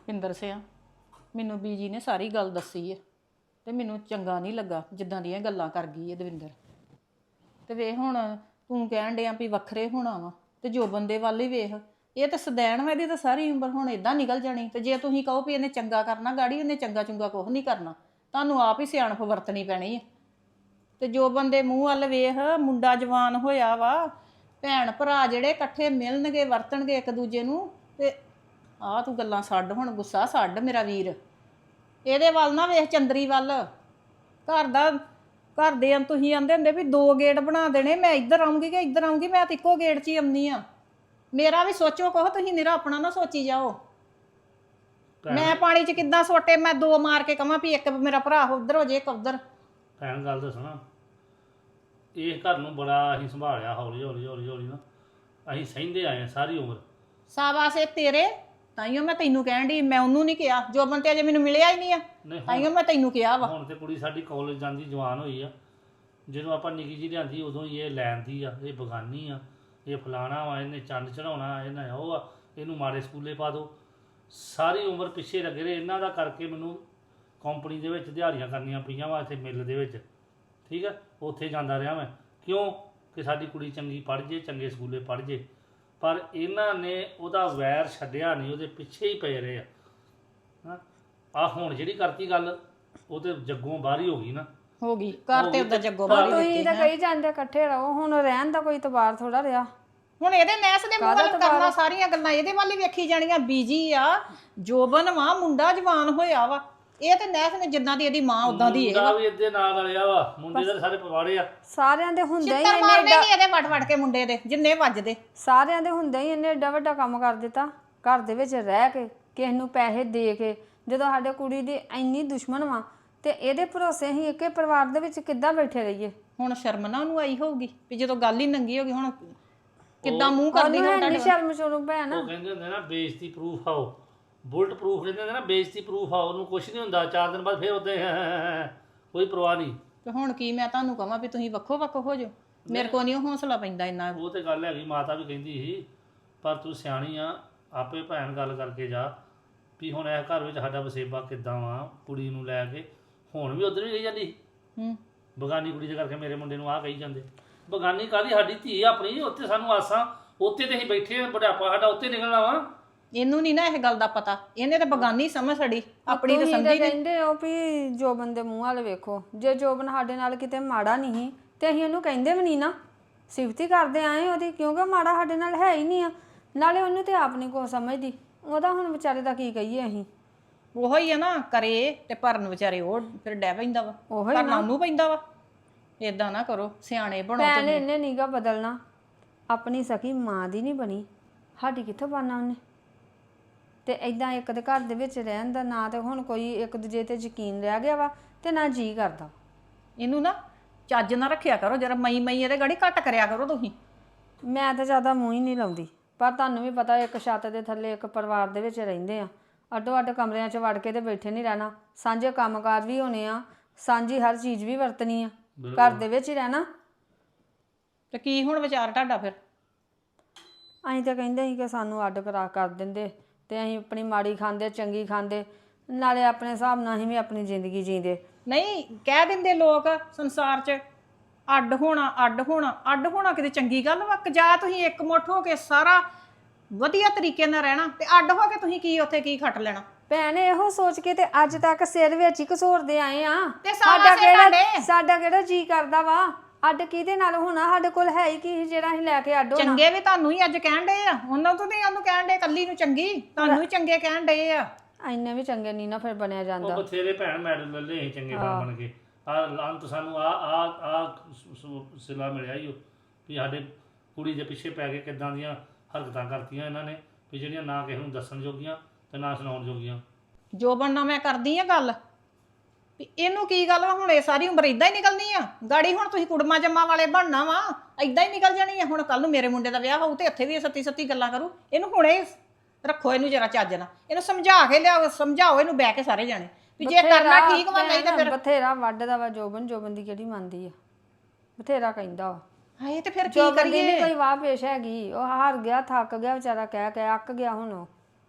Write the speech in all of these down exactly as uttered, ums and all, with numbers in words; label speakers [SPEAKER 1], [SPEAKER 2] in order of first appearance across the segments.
[SPEAKER 1] ਪਿੰਦਰ ਸਿਆ ਮੈਨੂੰ ਬੀਜੀ ਨੇ ਸਾਰੀ ਗੱਲ ਦੱਸੀ ਹੈ ਤੇ ਮੈਨੂੰ ਚੰਗਾ ਨਹੀਂ ਲੱਗਾ ਜਿੱਦਾਂ ਦੀਆਂ ਗੱਲਾਂ ਕਰ ਗਈ ਹੈ ਦਵਿੰਦਰ। ਤੇ ਵੇਖ ਹੁਣ ਤੂੰ ਕਹਿਣ ਡਿਆ ਵੀ ਵੱਖਰੇ ਹੋਣਾ ਵਾ ਤੇ ਜੋ ਬੰਦੇ ਵੱਲ ਹੀ ਵੇਖ, ਇਹ ਤਾਂ ਸਦੈਣ ਵਾ, ਇਹਦੀ ਤਾਂ ਸਾਰੀ ਉਮਰ ਹੁਣ ਇਦਾਂ ਨਿਕਲ ਜਾਣੀ। ਤੇ ਜੇ ਤੁਸੀਂ ਕਹੋ ਵੀ ਇਹਨੇ ਚੰਗਾ ਕਰਨਾ ਗਾੜੀ, ਉਹਨੇ ਚੰਗਾ ਚੁੰਗਾ ਕੁਛ ਨਹੀਂ ਕਰਨਾ, ਤੁਹਾਨੂੰ ਆਪ ਹੀ ਸਿਆਣਪ ਵਰਤਣੀ ਪੈਣੀ ਹੈ। ਤੇ ਜੋ ਬੰਦੇ ਮੂੰਹ ਵੱਲ ਵੇਖ, ਮੁੰਡਾ ਜਵਾਨ ਹੋਇਆ ਵਾ, ਭੈਣ ਭਰਾ ਜਿਹੜੇ ਇਕੱਠੇ ਮਿਲਣਗੇ ਵਰਤਣਗੇ ਇੱਕ ਦੂਜੇ ਨੂੰ। ਤੇ ਆਹ ਤੂੰ ਗੱਲਾਂ ਛੱਡ, ਹੁਣ ਗੁੱਸਾ ਛੱਡ ਮੇਰਾ ਵੀਰ, ਇਹਦੇ ਵੱਲ ਨਾ ਵੇਖ, ਚੰਦਰੀ ਵੱਲ। ਘਰ ਦਾ ਘਰ ਦੇ ਆਂ ਤੁਸੀਂ ਆਂਦੇ ਹੁੰਦੇ ਵੀ ਦੋ ਗੇਟ ਬਣਾ ਦੇਣੇ, ਮੈਂ ਇੱਧਰ ਆਉਂਗੀ ਕਿ ਇੱਧਰ ਆਉਂਗੀ, ਮੈਂ ਤਾਂ ਇੱਕੋ ਗੇਟ 'ਚ ਹੀ ਆਉਂਦੀ ਆ। ਮੇਰਾ ਵੀ ਸੋਚੋ ਕਹੋ, ਤੁਸੀਂ ਮੇਰਾ ਆਪਣਾ ਨਾ ਸੋਚੀ ਜਾਓ। ਮੈਂ ਪਾਣੀ 'ਚ ਕਿੱਦਾਂ ਸੋਟੇ, ਮੈਂ ਦੋ ਮਾਰ ਕੇ ਕਹਾਂ ਵੀ ਇੱਕ ਮੇਰਾ ਭਰਾ ਉੱਧਰ ਹੋ ਜੇ ਇੱਕ ਉੱਧਰ।
[SPEAKER 2] ਭੈਣ ਗੱਲ ਦੱਸਣਾ, ਇਹ ਘਰ ਨੂੰ ਬੜਾ ਅਸੀਂ ਸੰਭਾਲਿਆ ਹੌਲੀ ਹੌਲੀ ਹੌਲੀ ਹੌਲੀ ਨਾ, ਅਸੀਂ ਸਹਿੰਦੇ ਆਏ ਹਾਂ ਸਾਰੀ ਉਮਰ।
[SPEAKER 1] ਸਾਬਾਸੇ ਤੇਰੇ, ਤਾਈਓ ਮੈਂ ਤੈਨੂੰ ਕਹਿਣ ਦੀ, ਮੈਂ ਉਹਨੂੰ ਨਹੀਂ ਕਿਹਾ ਜੋ ਬੰਤੇ ਅਜੇ ਮੈਨੂੰ ਮਿਲਿਆ ਹੀ ਨਹੀਂ ਆ, ਤਾਈਓ ਮੈਂ ਤੈਨੂੰ ਕਿਹਾ ਵਾ।
[SPEAKER 2] ਹੁਣ ਤੇ ਕੁੜੀ ਸਾਡੀ ਕਾਲਜ ਜਾਂਦੀ ਜਵਾਨ ਹੋਈ ਆ, ਜਦੋਂ ਆਪਾਂ ਨਿੱਕੀ ਜਿਹੀ ਲਿਆਂਦੀ ਉਦੋਂ ਹੀ ਇਹ ਲੈਂਦੀ ਆ, ਇਹ ਬਗਾਨੀ ਆ, ਇਹ ਫਲਾਣਾ ਵਾ, ਇਹਨੇ ਚੰਦ ਚੜਾਉਣਾ, ਇਹਨਾਂ ਉਹ ਆ, ਇਹਨੂੰ ਮਾੜੇ ਸਕੂਲੇ ਪਾ ਦਿਓ। ਸਾਰੀ ਉਮਰ ਪਿੱਛੇ ਲੱਗੇ ਰਹੇ ਇਹਨਾਂ ਦਾ ਕਰਕੇ। ਮੈਨੂੰ ਕੰਪਨੀ ਦੇ ਵਿੱਚ ਦਿਹਾੜੀਆਂ ਕਰਨੀਆਂ ਪਈਆਂ ਵਾ, ਇੱਥੇ ਮਿੱਲ ਦੇ ਵਿੱਚ, ਠੀਕ ਆ, ਉੱਥੇ ਜਾਂਦਾ ਰਿਹਾ ਮੈਂ। ਕਿਉਂ ਕਿ ਸਾਡੀ ਕੁੜੀ ਚੰਗੀ ਪੜ੍ਹ ਜੇ, ਚੰਗੇ ਸਕੂਲੇ ਪੜ੍ਹ ਜੇ। ਪਰ ਇਹਨਾਂ ਨੇ ਉਹਦਾ ਵੈਰ ਛੱਡਿਆ ਨਹੀਂ, ਉਹਦੇ ਪਿੱਛੇ ਹੀ ਪਏ ਰਹੇ ਆ। ਹਾਂ ਆਹ ਹੁਣ ਜਿਹੜੀ ਕਰਤੀ ਗੱਲ, ਉਹ ਤੇ ਜੱਗੋਂ ਬਾਹਰ ਹੀ ਹੋ ਗਈ ਨਾ,
[SPEAKER 1] ਹੋ ਗਈ ਘਰ ਤੇ ਉਹਦਾ ਜੱਗੋਂ ਬਾਹਰ ਹੀ ਦਿੱਤੀ।
[SPEAKER 3] ਤੁਸੀਂ ਤਾਂ ਕਹੀ ਜਾਂਦੇ ਇਕੱਠੇ ਰਹੋ, ਹੁਣ ਰਹਿਣ ਦਾ ਕੋਈ ਤਬਾਰ ਥੋੜਾ ਰਿਹਾ।
[SPEAKER 1] ਹੁਣ ਇਹਦੇ ਨੈਸ ਦੇ ਮੂੰਹ ਵੱਲ ਕਰਨਾ, ਸਾਰੀਆਂ ਗੱਲਾਂ ਇਹਦੇ ਵੱਲ ਹੀ ਵੇਖੀ ਜਾਣੀਆਂ। ਬੀਜੀ ਆ, ਜੋਬਨ ਵਾ, ਮੁੰਡਾ ਜਵਾਨ ਹੋਇਆ ਵਾ, ਇਹ ਤੇ ਨੈਸ ਨੇ ਜਿੱਦਾਂ ਦੀ ਇਹਦੀ ਮਾਂ ਉਦਾਂ ਦੀ ਇਹ
[SPEAKER 2] ਮੁੰਡਾ ਵੀ ਇਹਦੇ ਨਾਲ ਰਲਿਆ ਵਾ, ਮੁੰਡੇ ਦੇ ਸਾਰੇ ਪਵਾੜੇ ਆ।
[SPEAKER 3] ਸਾਰਿਆਂ ਦੇ ਹੁੰਦੇ ਹੀ
[SPEAKER 1] ਚਿੱਤਰ ਮਾਰਨੇ ਨਹੀਂ ਇਹਦੇ ਵੜ ਵੜ ਕੇ ਮੁੰਡੇ ਦੇ ਜਿੰਨੇ ਵੱਜਦੇ,
[SPEAKER 3] ਸਾਰਿਆਂ ਦੇ ਹੁੰਦੇ ਹੀ ਇਹਨੇ ਏਡਾ ਵੱਡਾ ਕੰਮ ਕਰ ਦਿੱਤਾ ਘਰ ਦੇ ਵਿੱਚ ਰਹਿ ਕੇ, ਕਿਸੇ ਨੂੰ ਪੈਸੇ ਦੇ ਕੇ। ਜਦੋਂ ਸਾਡੇ ਕੁੜੀ ਦੀ ਇੰਨੀ ਦੁਸ਼ਮਣ ਵਾ ਤੇ ਇਹਦੇ ਭਰੋਸੇ ਹੀ ਇੱਕੇ ਪਰਿਵਾਰ ਦੇ ਵਿੱਚ ਕਿੱਦਾਂ ਬੈਠੇ ਰਹੀਏ।
[SPEAKER 1] ਹੁਣ ਸ਼ਰਮ ਨਾ ਉਹਨੂੰ ਆਈ ਹੋਊਗੀ ਵੀ ਜਦੋਂ ਗੱਲ ਹੀ ਨੰਗੀ ਹੋ ਗਈ, ਹੁਣ ਕਿੱਦਾਂ ਮੂੰਹ ਕਰਦੀ ਹੁਣ
[SPEAKER 3] ਤੁਹਾਡੇ ਸ਼ਰਮ ਸ਼ਰਮ ਭੈਣ।
[SPEAKER 2] ਉਹ ਕਹਿੰਦੇ ਹੁੰਦੇ ਨਾ ਬੇਇੱਜ਼ਤੀ ਪ੍ਰੂਫ ਆਓ, ਬੁਲਟ ਪ੍ਰੂਫ ਕਹਿੰਦੇ ਹੁੰਦੇ ਨਾ, ਬੇਇੱਜ਼ਤੀ ਪ੍ਰੂਫ ਆ, ਉਹਨੂੰ ਕੁਛ ਨਹੀਂ ਹੁੰਦਾ। ਚਾਰ ਦਿਨ ਬਾਅਦ ਫਿਰ ਉੱਤੇ ਕੋਈ ਪਰਵਾਹ ਨਹੀਂ।
[SPEAKER 1] ਤੇ ਹੁਣ ਕੀ ਮੈਂ ਤੁਹਾਨੂੰ ਕਹਾਂ ਵੀ ਤੁਸੀਂ ਵੱਖੋ ਵੱਖ ਹੋ ਜਾਓ, ਮੇਰੇ ਕੋਲ ਨਹੀਂ ਹੌਸਲਾ ਪੈਂਦਾ ਇੰਨਾ।
[SPEAKER 2] ਉਹ ਤੇ ਗੱਲ ਹੈਗੀ, ਮਾਤਾ ਵੀ ਕਹਿੰਦੀ ਸੀ, ਪਰ ਤੂੰ ਸਿਆਣੀ ਆ, ਆਪੇ ਭੈਣ ਗੱਲ ਕਰਕੇ ਜਾ ਵੀ ਹੁਣ ਇਹ ਘਰ ਵਿੱਚ ਸਾਡਾ ਵਸੇਬਾ ਕਿੱਦਾਂ ਵਾ, ਕੁੜੀ ਨੂੰ ਲੈ ਕੇ। ਹੁਣ ਵੀ ਉਧਰ ਹੀ ਕਹੀ ਜਾਂਦੀ
[SPEAKER 1] ਹੂੰ
[SPEAKER 2] ਬਗਾਨੀ ਕੁੜੀ ਦੇ ਕਰਕੇ ਮੇਰੇ ਮੁੰਡੇ ਨੂੰ ਆਹ ਕਹੀ ਜਾਂਦੇ। ਬਗਾਨੀ ਕਾਹਦੀ, ਸਾਡੀ ਧੀ ਆਪਣੀ, ਉੱਥੇ ਸਾਨੂੰ ਆਸਾਂ, ਉੱਥੇ ਤੇ ਅਸੀਂ ਬੈਠੇ ਆ, ਬੁਢਾਪਾ ਸਾਡਾ ਉੱਥੇ ਨਿਕਲਣਾ ਵਾ।
[SPEAKER 1] ਇਹਨੂੰ ਨਹੀਂ ਨਾ ਇਹ ਗੱਲ ਦਾ ਪਤਾ, ਇਹਨੇ ਤਾਂ ਬਗਾਨੀ ਸਮਝ ਛੜੀ, ਆਪਣੀ ਤਾਂ ਸਮਝੀ ਨਹੀਂ।
[SPEAKER 3] ਕਹਿੰਦੇ ਹੋ ਵੀ ਜੋਬਨ ਦੇ ਮੂੰਹ ਵਾਲੇ ਵੇਖੋ, ਜੇ ਜੋਬਨ ਸਾਡੇ ਨਾਲ ਕਿਤੇ ਮਾੜਾ ਨਹੀਂ ਤੇ ਅਸੀਂ ਉਹਨੂੰ ਕਹਿੰਦੇ ਵੀ ਨਹੀਂ ਨਾ, ਸਿਫਤੀ ਕਰਦੇ ਆਏ ਉਹਦੀ, ਕਿਉਂਕਿ ਮਾੜਾ ਸਾਡੇ ਨਾਲ ਹੈ ਹੀ ਨਹੀਂ ਆ। ਨਾਲੇ ਉਹਨੂੰ ਤੇ ਆਪ ਨਹੀਂ ਕੁਛ ਸਮਝਦੀ, ਉਹਦਾ ਹੁਣ ਵਿਚਾਰੇ ਦਾ ਕੀ ਕਹੀਏ ਅਸੀਂ।
[SPEAKER 1] ਉਹੋ ਹੀ ਆ ਨਾ, ਕਰੇ ਤੇ ਭਰਨ ਵਿਚਾਰੇ ਉਹ ਫਿਰ ਡੈ ਪੈਂਦਾ ਵਾ,
[SPEAKER 3] ਉਹੀ
[SPEAKER 1] ਕਰਨਾ ਉਹਨੂੰ ਪੈਂਦਾ ਵਾ। ਏਦਾਂ ਨਾ ਕਰੋ, ਸਿਆਣੇ ਬਣੋ।
[SPEAKER 3] ਭੈਣ ਇਹਨੇ ਨੀਗਾ ਬਦਲਣਾ, ਆਪਣੀ ਸਕੀ ਮਾਂ ਦੀ ਨਹੀਂ ਬਣੀ, ਸਾਡੀ ਕਿੱਥੋਂ ਬਣਨਾ ਉਹਨੇ। ਤੇ ਇਦਾਂ ਇੱਕ ਦੇ ਘਰ ਦੇ ਵਿੱਚ ਰਹਿਣ ਦਾ ਨਾ ਤੇ ਹੁਣ ਕੋਈ ਇੱਕ ਦੂਜੇ ਤੇ ਯਕੀਨ ਰਹਿ ਗਿਆ ਵਾ ਤੇ ਨਾ ਜੀ ਕਰਦਾ।
[SPEAKER 1] ਇਹਨੂੰ ਨਾ ਚੱਜ ਨਾ ਰੱਖਿਆ ਕਰੋ, ਜਰਾ ਮਈ ਮਈ ਇਹਦੇ ਗਾੜੀ ਘੱਟ ਕਰਿਆ ਕਰੋ ਤੁਸੀਂ।
[SPEAKER 3] ਮੈਂ ਤਾਂ ਜ਼ਿਆਦਾ ਮੂੰਹ ਹੀ ਨਹੀਂ ਲਾਉਂਦੀ, ਪਰ ਤੁਹਾਨੂੰ ਵੀ ਪਤਾ ਇੱਕ ਛੱਤ ਦੇ ਥੱਲੇ ਇੱਕ ਪਰਿਵਾਰ ਦੇ ਵਿੱਚ ਰਹਿੰਦੇ ਆ, ਅੱਡੋ ਅੱਡ ਕਮਰਿਆਂ 'ਚ ਵੜ ਕੇ ਤੇ ਬੈਠੇ ਨਹੀਂ ਰਹਿਣਾ। ਸਾਂਝੇ ਕੰਮਕਾਰ ਵੀ ਹੋਣੇ ਆ, ਸਾਂਝੀ ਹਰ ਚੀਜ਼ ਵੀ ਵਰਤਣੀ ਆ, ਘਰ ਦੇ ਵਿੱਚ ਹੀ ਰਹਿਣਾ।
[SPEAKER 1] ਤੇ ਕੀ ਹੁਣ ਵਿਚਾਰ ਤੁਹਾਡਾ ਫਿਰ?
[SPEAKER 3] ਅਸੀਂ ਤਾਂ ਕਹਿੰਦੇ ਸੀ ਕਿ ਸਾਨੂੰ ਅੱਡ ਕਰਾ ਕਰ ਦਿੰਦੇ ਤੇ ਅਸੀਂ ਆਪਣੀ ਮਾੜੀ ਖਾਂਦੇ ਚੰਗੀ ਖਾਂਦੇ, ਨਾਲੇ ਆਪਣੇ ਹਿਸਾਬ ਨਾਲ ਅਸੀਂ ਵੀ ਆਪਣੀ ਜ਼ਿੰਦਗੀ ਜੀਂਦੇ।
[SPEAKER 1] ਨਹੀਂ ਕਹਿ ਦਿੰਦੇ ਲੋਕ ਸੰਸਾਰ 'ਚ ਅੱਡ ਹੋਣਾ, ਅੱਡ ਹੋਣਾ, ਅੱਡ ਹੋਣਾ ਕਿਤੇ ਚੰਗੀ ਗੱਲ ਵਾ? ਜਾਂ ਤੁਸੀਂ ਇੱਕ ਮੁੱਠ ਹੋ ਕੇ ਸਾਰਾ ਵਧੀਆ ਤਰੀਕੇ ਨਾਲ ਰਹਿਣਾ, ਤੇ ਅੱਡ ਹੋ ਕੇ ਤੁਸੀਂ ਕੀ ਉੱਥੇ ਕੀ ਖੱਟ ਲੈਣਾ?
[SPEAKER 3] ਭੈਣ ਇਹੋ ਸੋਚ ਕੇ ਤੇ ਅੱਜ ਤੱਕ ਸਿਰ ਵਿੱਚ ਹੀ ਘਸੋਰਦੇ ਆਏ ਆ।
[SPEAKER 1] ਤੇ
[SPEAKER 3] ਸਾਡਾ ਕਿਹੜਾ ਸਾਡਾ ਕਿਹੜਾ ਜੀ ਕਰਦਾ ਵਾ ਅੱਡ ਕਿਹਦੇ ਨਾਲ ਹੋਣਾ? ਸਾਡੇ ਕੋਲ ਹੈ ਹੀ ਕੀ ਜਿਹੜਾ ਅਸੀਂ ਲੈ ਕੇ ਅੱਡ ਹੋਣਾ?
[SPEAKER 1] ਚੰਗੇ ਵੀ ਤੁਹਾਨੂੰ ਹੀ ਅੱਜ ਕਹਿਣ ਡਏ ਆ, ਉਹਨਾਂ ਤੋਂ ਨਹੀਂ ਉਹਨੂੰ ਕਹਿਣ ਡਏ ਕੱਲੀ ਨੂੰ ਚੰਗੀ, ਤੁਹਾਨੂੰ ਹੀ ਚੰਗੇ ਕਹਿਣ ਡਏ ਆ।
[SPEAKER 3] ਇੰਨੇ ਵੀ ਚੰਗੇ ਨਹੀਂ ਨਾ ਫਿਰ ਬਣਿਆ ਜਾਂਦਾ।
[SPEAKER 2] ਉਹ ਬਥੇਰੇ ਭੈਣ ਮੈਡਲ ਲੈ ਲਏ ਚੰਗੇ ਬਣ ਬਣ ਕੇ। ਆ ਅੰਤ ਸਾਨੂੰ ਆ ਆ ਆ ਸਿਲਾ ਮਿਲਿਆ ਹੀ ਵੀ ਸਾਡੇ ਕੁੜੀ ਦੇ ਪਿੱਛੇ ਪੈ ਕੇ ਕਿੱਦਾਂ ਦੀਆਂ ਹਰਕਤਾਂ ਕਰਤੀਆਂ ਇਹਨਾਂ ਨੇ, ਵੀ ਜਿਹੜੀਆਂ ਨਾ ਕਿਸੇ ਨੂੰ ਦੱਸਣ ਜੋਗੀਆਂ ਤੇ ਨਾ ਸੁਣਾਉਣ ਜੋਗੀਆਂ।
[SPEAKER 1] ਜੋਬਨ ਨਾਲ ਮੈਂ ਕਰਦੀ ਆ ਗੱਲ ਵੀ ਇਹਨੂੰ ਕੀ ਗੱਲ ਵਾ, ਹੁਣ ਇਹ ਸਾਰੀ ਉਮਰ ਇਦਾਂ ਹੀ ਨਿਕਲਣੀ ਆ ਗਾੜੀ? ਹੁਣ ਤੁਸੀਂ ਕੁੜਮਾ ਜੰਮਾ ਵਾਲੇ ਬਣਨਾ ਵਾ, ਇਦਾਂ ਹੀ ਨਿਕਲ ਜਾਣੀ ਆ। ਹੁਣ ਕੱਲ ਨੂੰ ਮੇਰੇ ਮੁੰਡੇ ਦਾ ਵਿਆਹ ਹੋਊ ਤੇ ਇੱਥੇ ਵੀ ਸੱਤੀ ਸੱਤੀ ਗੱਲਾਂ ਕਰੂ। ਇਹਨੂੰ ਹੁਣੇ ਰੱਖੋ, ਇਹਨੂੰ ਜਰਾ ਚੱਜ ਨਾਲ ਇਹਨੂੰ ਸਮਝਾ ਕੇ ਲਿਆਓ, ਸਮਝਾਓ ਇਹਨੂੰ ਬਹਿ ਕੇ ਸਾਰੇ ਜਾਣੇ ਵੀ ਜੇ ਕਰਨਾ ਠੀਕ ਵਾ, ਨਹੀਂ ਤੇ ਫਿਰ
[SPEAKER 3] ਬਥੇਰਾ ਵੱਢਦਾ ਵਾ ਜੋਬਨ। ਜੋਬਨ ਦੀ ਕਿਹੜੀ ਮੰਨਦੀ ਆ, ਬਥੇਰਾ ਕਹਿੰਦਾ ਵਾ।
[SPEAKER 1] ਹਾਏ ਤੇ ਫਿਰ ਕੀ
[SPEAKER 3] ਜੋਬਨ ਦੀ
[SPEAKER 1] ਕਰੀਏ?
[SPEAKER 3] ਨਹੀਂ ਕੋਈ ਵਾਹ ਪੇਸ਼ ਹੈਗੀ, ਉਹ ਹਾਰ ਗਿਆ, ਥੱਕ ਗਿਆ ਵਿਚਾਰਾ, ਕਹਿ ਕਹਿ ਅੱਕ ਗਿਆ ਹੁਣ ਉਹ।